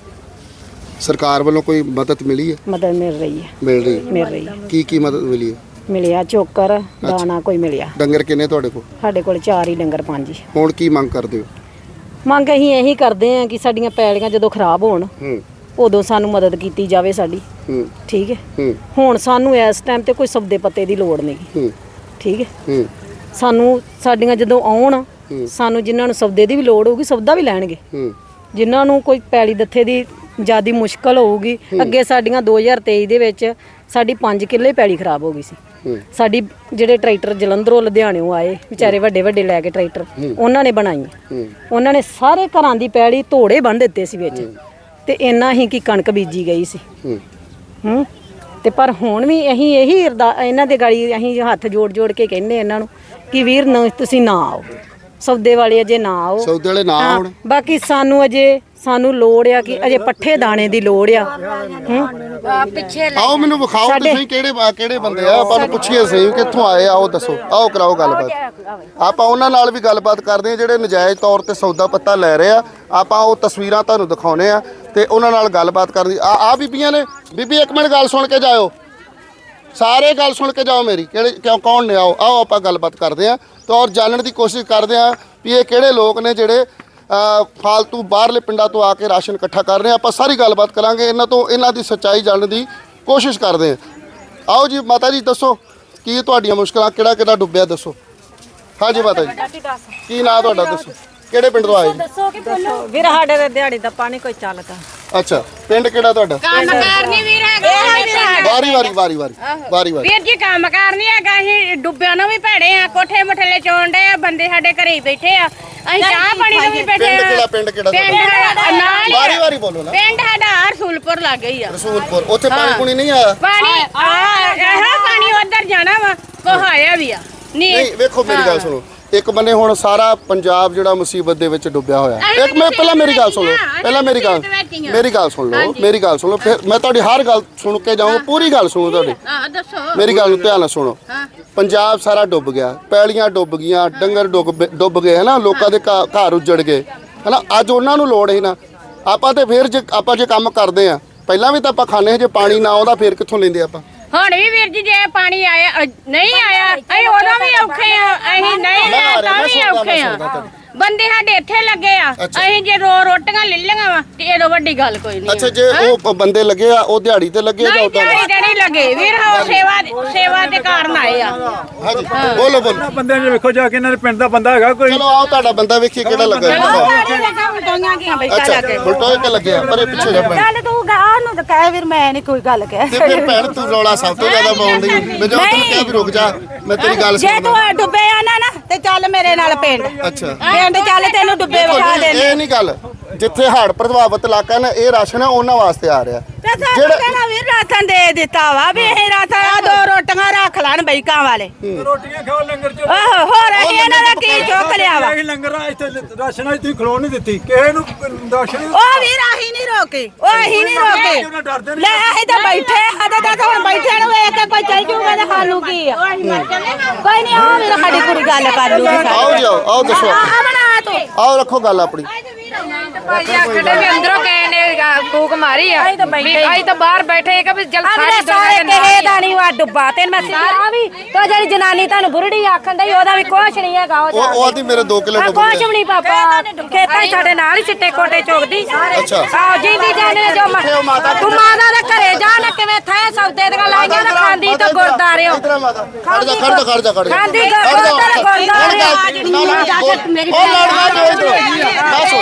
B: ਸਰਕਾਰ ਵੱਲੋਂ ਕੋਈ ਮਦਦ ਮਿਲੀ ਹੈ
A: ਮਦਦ ਮਿਲ ਰਹੀ ਹੈ
B: ਮਿਲ ਰਹੀ
A: ਮਿਲ ਰਹੀ ਹੈ
B: ਕੀ ਕੀ ਮਦਦ ਮਿਲੀ ਹੈ
A: ਮਿਲਿਆ ਚੋਕਰ ਦਾਣਾ ਕੋਈ ਮਿਲਿਆ
B: ਡੰਗਰ ਕਿੰਨੇ ਤੁਹਾਡੇ ਕੋਲ
A: ਸਾਡੇ ਕੋਲ ਚਾਰ ਹੀ ਡੰਗਰ ਪੰਜ ਹੀ
B: ਹੁਣ ਕੀ ਮੰਗ ਕਰਦੇ ਹੋ
A: ਮੰਗ ਅਸੀਂ ਇਹੀ ਕਰਦੇ ਹਾਂ ਕਿ ਸਾਡੀਆਂ ਪੈਲੀਆਂ ਜਦੋਂ ਖਰਾਬ ਹੋਣ
B: ਹੂੰ
A: ਉਦੋਂ ਸਾਨੂੰ ਮਦਦ ਕੀਤੀ ਜਾਵੇ ਸਾਡੀ
B: ਹੂੰ
A: ਠੀਕ ਹੈ
B: ਹੂੰ
A: ਹੁਣ ਸਾਨੂੰ ਇਸ ਟਾਈਮ ਤੇ ਕੋਈ ਸਬਦੇ ਪੱਤੇ ਦੀ ਲੋੜ ਨਹੀਂ
B: ਹੂੰ
A: ਠੀਕ ਹੈ
B: ਹੂੰ
A: ਸਾਨੂੰ ਸਾਡੀਆਂ ਜਦੋਂ ਆਉਣ ਸਾਨੂੰ ਜਿਨ੍ਹਾਂ ਨੂੰ ਸਬਦੇ ਦੀ ਵੀ ਲੋੜ ਹੋਊਗੀ ਸਬਦਾ ਵੀ ਲੈਣਗੇ
B: ਹੂੰ
A: ਜਿਨ੍ਹਾਂ ਨੂੰ ਕੋਈ ਪੈਲੀ ਦੱਥੇ ਦੀ ਜਿਆਦੀ ਮੁਸ਼ਕਲ ਹੋਊਗੀ ਅੱਗੇ ਸਾਡੀਆਂ ਦੋ ਹਜ਼ਾਰ ਤੇਈ ਦੇ ਵਿੱਚ ਸਾਡੀ ਪੰਜ ਕਿੱਲੇ ਪੈਲੀ ਖਰਾਬ ਹੋ ਗਈ ਸੀ
B: ਹੂੰ
A: ਸਾਡੀ ਜਿਹੜੇ ਟਰੈਕਟਰ ਜਲੰਧਰੋਂ ਲੁਧਿਆਣਿਓਂ ਆਏ ਵਿਚਾਰੇ ਵੱਡੇ ਵੱਡੇ ਲੈ ਕੇ ਟਰੈਕਟਰ ਉਹਨਾਂ ਨੇ ਬਣਾਈ
B: ਹੂੰ
A: ਉਹਨਾਂ ਨੇ ਸਾਰੇ ਘਰਾਂ ਦੀ ਪੈਲੀ ਧੋੜੇ ਬੰਨ ਦਿੱਤੇ ਸੀ ਵਿੱਚ ਤੇ ਇੰਨਾ ਹੀ ਕਿ ਕਣਕ ਬੀਜੀ ਗਈ ਸੀ
B: ਹੂੰ
A: ਹੂੰ ਤੇ ਪਰ ਹੁਣ ਵੀ ਅਸੀਂ ਇਹੀ ਅਰਦਾ- ਇਹਨਾਂ ਦੇ ਗਾੜੀ ਅਸੀਂ ਹੱਥ ਜੋੜ ਜੋੜ ਕੇ ਕਹਿੰਦੇ ਇਹਨਾਂ ਨੂੰ ਕਿ ਵੀਰ ਨਾ ਤੁਸੀਂ ਨਾ ਆਓ ਸੌਦੇ ਵਾਲੇ ਅਜੇ ਨਾ ਆਓ
B: ਸੌਦੇ ਵਾਲੇ ਨਾ
A: ਹਾਂ,
B: ਆਉਣ
A: ਬਾਕੀ ਸਾਨੂੰ ਅਜੇ ਸਾਨੂੰ ਲੋੜ ਆ ਕਿ ਅਜੇ ਪੱਠੇ ਦਾਣੇ ਦੀ ਲੋੜ ਆ ਹੂੰ
D: ਆ ਪਿੱਛੇ
B: ਆਓ ਮੈਨੂੰ ਵਿਖਾਓ ਤੇ
A: ਸਾਡੇ-
B: ਸਹੀ ਕਿਹੜੇ ਆ ਕਿਹੜੇ ਬੰਦੇ ਆ ਆਪਾਂ ਨੂੰ ਪੁੱਛੀਏ ਸਹੀ ਕਿੱਥੋਂ ਆਏ ਆ ਉਹ ਦੱਸੋ ਆਓ ਕਰਾਓ ਗੱਲਬਾਤ ਆਪਾਂ ਉਹਨਾਂ ਨਾਲ ਵੀ ਗੱਲਬਾਤ ਕਰਦੇ ਆ ਜਿਹੜੇ ਨਜਾਇਜ਼ ਤੌਰ ਤੇ ਸੌਦਾ ਪੱਤਾ ਲੈ ਰਹੇ ਆ ਆਪਾਂ ਉਹ ਤਸਵੀਰਾਂ ਤੁਹਾਨੂੰ ਦਿਖਾਉਨੇ ਆ ਤੇ ਉਹਨਾਂ ਨਾਲ ਗੱਲਬਾਤ ਕਰਦੀ ਆ ਆ ਬੀਬੀਆਂ ਨੇ ਬੀਬੀ ਇੱਕ ਮਿੰਟ ਗੱਲ ਸੁਣ ਕੇ ਜਾਇਓ ਸਾਰੇ ਗੱਲ ਸੁਣ ਕੇ ਜਾਓ ਮੇਰੀ ਕਿਹੜੇ ਕਿਉਂ ਕੌਣ ਨੇ ਆਓ ਆਓ ਆਪਾਂ ਗੱਲਬਾਤ ਕਰਦੇ ਆ ਤੇ ਔਰ ਜਾਣਨ ਦੀ ਕੋਸ਼ਿਸ਼ ਕਰਦੇ ਆ ਵੀ ਇਹ ਕਿਹੜੇ ਲੋਕ ਨੇ ਜਿਹੜੇ ਅ, ਫਾਲਤੂ ਬਾਹਰਲੇ ਪਿੰਡਾਂ ਤੋਂ ਆ ਕੇ ਰਾਸ਼ਨ ਇਕੱਠਾ ਕਰ ਰਹੇ ਆ ਆਪਾਂ ਸਾਰੀ ਗੱਲਬਾਤ ਕਰਾਂਗੇ ਇਹਨਾਂ ਤੋਂ ਇਹਨਾਂ ਦੀ ਸੱਚਾਈ ਜਾਣਨ ਦੀ ਕੋਸ਼ਿਸ਼ ਕਰਦੇ ਆ ਆਓ ਜੀ ਮਾਤਾ ਜੀ ਦੱਸੋ ਕੀ ਤੁਹਾਡੀਆਂ ਮੁਸ਼ਕਲਾਂ ਕਿਹੜਾ ਕਿਹੜਾ ਡੁੱਬਿਆ ਦੱਸੋ ਹਾਂਜੀ ਮਾਤਾ ਜੀ ਕੀ ਨਾਂ ਤੁਹਾਡਾ ਦੱਸੋ ਕਿਹੜੇ ਪਿੰਡ ਤੋਂ ਆਏ ਜੀ
A: ਵੀਰ ਸਾਡੇ ਦੇ ਦਿਹਾੜੀ ਦਾ ਪਾਣੀ ਕੋਈ ਚੱਲਦਾ
B: ਅੱਛਾ ਪਿੰਡ ਕਿਹੜਾ ਤੁਹਾਡਾ
C: ਕੰਮ ਕਾਰ ਨਹੀਂ ਵੀਰ ਹੈਗਾ
B: ਵਾਰੀ ਵਾਰੀ ਵਾਰੀ ਵਾਰੀ ਵਾਰੀ ਵਾਰੀ
C: ਵੀਰ ਜੀ ਕੰਮ ਕਾਰ ਨਹੀਂ ਹੈਗਾ ਅਸੀਂ ਡੁੱਬਿਆਂ ਨੂੰ ਵੀ ਭੈੜੇ ਆ ਕੋਠੇ ਮਠਲੇ ਚੋਣ ਡੇ ਆ ਬੰਦੇ ਸਾਡੇ ਘਰੇ ਹੀ ਬੈਠੇ ਆ ਅਸੀਂ ਚਾਹ ਪਾਣੀ ਨੂੰ ਵੀ ਬੈਠੇ
B: ਪਿੰਡ
C: ਆ
B: ਕਿਹੜਾ ਪਿੰਡ ਕਿਹੜਾ
C: ਪਿੰਡ
B: ਤੁਹਾਡਾ
C: ਸਾਡਾ ਨਾਲ ਹੀ
B: ਵਾਰੀ
C: ਆ।
B: ਵਾਰੀ ਬੋਲੋ ਨਾ
C: ਪਿੰਡ ਸਾਡਾ ਰਸੂਲਪੁਰ ਲੱਗ ਗਈ ਆ
B: ਰਸੂਲਪੁਰ ਉੱਥੇ ਪਾਣੀ ਪੂਣੀ ਨਹੀਂ ਆਇਆ
C: ਪਾਣੀ ਆ ਇਹ ਪਾਣੀ ਉਧਰ ਜਾਣਾ ਵਾ ਕੋਹ ਆਇਆ ਵੀ ਆ ਨਹੀਂ
B: ਨਹੀਂ ਵੇਖੋ ਮੇਰੀ ਗੱਲ ਸੁਣੋ ਇੱਕ ਬੰਨੇ ਹੁਣ ਸਾਰਾ ਪੰਜਾਬ ਜਿਹੜਾ ਮੁਸੀਬਤ ਦੇ ਵਿੱਚ ਡੁੱਬਿਆ ਹੋਇਆ ਇੱਕ ਮੈਂ ਪਹਿਲਾਂ ਮੇਰੀ ਗੱਲ ਸੁਣੋ ਪਹਿਲਾਂ ਮੇਰੀ ਗੱਲ ਮੇਰੀ ਗੱਲ ਸੁਣ ਲਓ ਮੇਰੀ ਗੱਲ ਸੁਣੋ ਫਿਰ ਮੈਂ ਤੁਹਾਡੀ ਹਰ ਗੱਲ ਸੁਣ ਕੇ ਜਾਊਂਗਾ ਪੂਰੀ ਗੱਲ ਸੁਣੋ ਤੁਹਾਡੀ
C: ਹਾਂ ਦੱਸੋ
B: ਮੇਰੀ ਗੱਲ ਨੂੰ ਧਿਆਨ ਨਾਲ ਸੁਣੋ ਪੰਜਾਬ ਸਾਰਾ ਡੁੱਬ ਗਿਆ ਪੈਲੀਆਂ ਡੁੱਬ ਗਈਆਂ ਡੰਗਰ ਡੁੱਬ ਡੁੱਬ ਗਏ ਹਨਾ ਲੋਕਾਂ ਦੇ ਘ- ਘਰ ਉੱਜੜ ਗਏ ਹਨਾ ਅੱਜ ਉਹਨਾਂ ਨੂੰ ਲੋੜ ਹੈ ਨਾ ਆਪਾਂ ਤੇ ਫਿਰ ਜੇ ਆਪਾਂ ਜੇ ਕੰਮ ਕਰਦੇ ਆ ਪਹਿਲਾਂ ਵੀ ਤਾਂ ਆਪਾਂ ਖਾਣੇ ਜੇ ਪਾਣੀ ਨਾ ਆਉਂਦਾ ਫਿਰ ਕਿੱਥੋਂ ਲੈਂਦੇ ਆਪਾਂ
C: ਹੁਣ ਵੀ ਵੀਰ ਜੀ ਜੇ ਪਾਣੀ ਆਇਆ ਅ, ਨਹੀਂ ਆਇਆ ਅਸੀਂ ਉਦੋਂ ਵੀ ਔਖੇ ਆ ਅਸੀਂ ਨਹੀਂ ਲਿਆ ਤਾਂ ਵੀ ਔਖੇ ਆ ਬੰਦੇ ਸਾਡੇ ਇੱਥੇ ਲੱਗੇ ਆ ਅਸੀਂ ਜੇ ਰੋ ਰੋਟੀਆਂ ਲੈ ਲਈਆਂ ਵਾ ਤੇ ਇਹਦੋਂ ਵੱਡੀ ਗੱਲ ਕੋਈ ਨਹੀਂ
B: ਅੱਛਾ ਜੇ ਉਹ ਬੰਦੇ ਲੱਗੇ ਆ ਉਹ ਦਿਹਾੜੀ ਤੇ ਲੱਗੇ ਜਾਂ
C: ਨਹੀਂ
B: ਉਦਾਂ
C: ਦਿਹਾੜੀ ਤੇ ਨਹੀਂ ਲੱਗੇ ਵੀਰ ਉਹ ਸੇਵਾ ਸੇਵਾ ਦੇ ਕਾਰਨ ਆਏ ਆ
B: ਹਾਂਜੀ ਬੋਲੋ ਬੋਲੋ
E: ਬੰਦੇ ਨੇ ਵੇਖੋ ਜਾ ਕੇ ਇਹਨਾਂ ਦੇ ਪਿੰਡ ਦਾ ਬੰਦਾ ਹੈਗਾ ਕੋਈ
B: ਚਲੋ ਆਓ ਤੁਹਾਡਾ ਬੰਦਾ ਵੇਖੀ ਕਿਹੜਾ ਲੱਗਾ ਅੱਛਾ ਬੁਲਟੋਏ ਤੇ ਲੱਗਿਆ ਪਰ ਇਹ ਪਿੱਛੇ ਜਾ ਪੈਣ
A: ਚੱਲ ਤੂੰ ਗਾ ਨੂੰ ਤਾਂ ਕਹਿ ਵੀਰ ਮੈਂ ਨਹੀਂ ਕੋਈ ਗੱਲ ਕਹਿ
B: ਤੇ ਫਿਰ ਭੈਣ ਤੂੰ ਰੌਲਾ ਸਭ ਤੋਂ ਜ਼ਿਆਦਾ ਪਾਉਂਦੀ ਮੈਂ ਜਦੋਂ ਤੈਨੂੰ ਕਿਹਾ ਵੀ ਰੁਕ ਜਾ ਮੈਂ ਤੇਰੀ ਗੱਲ
A: ਜੇ
B: ਸੁਣਦਾ
A: ਤੂੰ ਡੁੱਬੇ ਆ ਨਾ ਨਾ ਤੇ ਚੱਲ ਮੇਰੇ ਨਾਲ ਪਿੰਡ
B: ਅੱਛਾ
A: ਪਿੰਡ ਚੱਲ ਤੈਨੂੰ ਡੁੱਬੇ ਵਿਖਾ ਦੇ
B: ਇਹ ਨਹੀਂ ਗੱਲ ਜਿੱਥੇ ਹੜ੍ਹ ਪ੍ਰਭਾਵਿਤ ਇਲਾਕਾ ਨੇ ਇਹ ਰਾਸ਼ਨ ਹੈ ਉਹਨਾਂ ਵਾਸਤੇ ਆ ਰਿਹਾ
A: ਤੇ ਸਾਨੂੰ ਕਹਿਣਾ ਵੀਰ ਰਾਸ਼ਨ ਦੇ ਦਿੱਤਾ ਵਾ ਵੀ ਇਹ ਰਾਸ਼ਨ ਆ ਦੋ ਰੋਟੀਆਂ ਰੱਖ ਲੈਣ ਬਈਕਾਂ ਵਾਲੇ
E: ਰੋਟੀਆਂ ਖਾਓ ਲੰਗਰ ਚ
A: ਆਹੋ ਹੋਰ ਅਸੀਂ ਇਹਨਾਂ ਦਾ ਕੀ ਚੁੱਕ ਲਿਆ ਵਾ
E: ਅਸੀਂ ਲੰਗਰ ਆ ਇੱਥੇ ਰਾਸ਼ਨ ਆ ਤੁਸੀਂ ਖਲੋਣ ਨਹੀਂ ਦਿੱਤੀ ਕਿਸੇ ਨੂੰ ਰਾਸ਼ਨ
A: ਉਹ ਵੀਰ ਅਸੀਂ ਨਹੀਂ ਰੋਕੇ ਉਹ ਅਸੀਂ ਨਹੀਂ ਰੋਕੇ ਲੈ ਅਸੀਂ ਤਾਂ ਬੈਠੇ ਹਦੇ ਤਾਂ ਹੁਣ ਬੈਠੇ ਨੂੰ ਵੇਖ ਕੇ ਕੋਈ ਚੱਲ ਜੂਗਾ ਤੇ ਸਾਨੂੰ ਕੀ ਆ ਕੋਈ ਨਹੀਂ ਆਓ ਵੀਰ ਸਾਡੀ ਕੁੜੀ ਗੱਲ ਕਰ ਲੂਗੀ
B: ਆਓ ਜੀ ਆਓ ਆਓ ਦੱਸੋ
A: ਆ ਬਣਾ ਤੂੰ
B: ਆਓ ਰੱਖੋ ਗੱਲ ਆਪਣੀ
G: ਭਾਈ ਆਖੜੇ ਵੀ ਅੰਦਰੋਂ ਗਏ ਨੇ ਫੂਕ ਮਾਰੀ ਆ ਵੀ ਅਸੀਂ ਤਾਂ ਬਾਹਰ ਬੈਠੇ ਕਿ ਵੀ ਜਲ ਸਾਰੀ ਦੁਨੀਆ ਦੇ
A: ਕਿਸੇ ਦਾ ਨਹੀਂ ਵਾ ਡੁੱਬਾ ਤੇ ਮੈਂ ਸਾਰਾ ਵੀ ਤੋ ਜਿਹੜੀ ਜਨਾਨੀ ਤੁਹਾਨੂੰ ਬੁਰੜੀ ਆਖਣ ਡਈ ਉਹਦਾ ਵੀ ਕੁਛ ਨਹੀਂ ਹੈਗਾ
B: ਉਹ ਉਹ ਆਦੀ ਮੇਰੇ ਦੋ ਕਿਲੋ ਡੁੱਬ
A: ਕੁਛ
B: ਗਏ
A: ਵੀ ਨਹੀਂ ਪਾਪਾ ਖੇਤਾਂ 'ਚ ਸਾਡੇ ਨਾਲ ਹੀ ਚਿੱਟੇ ਕੋਟੇ ਚੋਗਦੀ
B: ਅੱਛਾ
A: ਆਹ ਜਿੰਦੀ ਜਾਣੇ ਜੋ ਮ-
B: ਕਿੱਥੇ ਉਹ ਮਾਤਾ?
A: ਤੂੰ ਮਾਤਾ ਦੇ ਘਰੇ ਜਾ ਨਾ ਕਿਵੇਂ ਥੈ ਸੌਦੇ ਦੀਆਂ ਲਾਈਆਂ ਨਾ ਖਾਂਦੀ ਤਾਂ ਗੁਰਦਾਰਿਓ
B: ਇਧਰ ਮਾਤਾ ਖੜ ਜਾ ਖੜ ਜਾ ਖੜ ਜਾ ਖੜ ਜਾ
A: ਖਾਂਦੀ
B: ਖੜ ਜਾ।
A: ਗੁਰਦਾਰੇ ਗੁਰਦਾਰੇ
B: ਨਾ, ਨਾ, ਉਹ- ਉਹ ਲੜਦਾ ਜੋ ਇਧਰ ਬਸ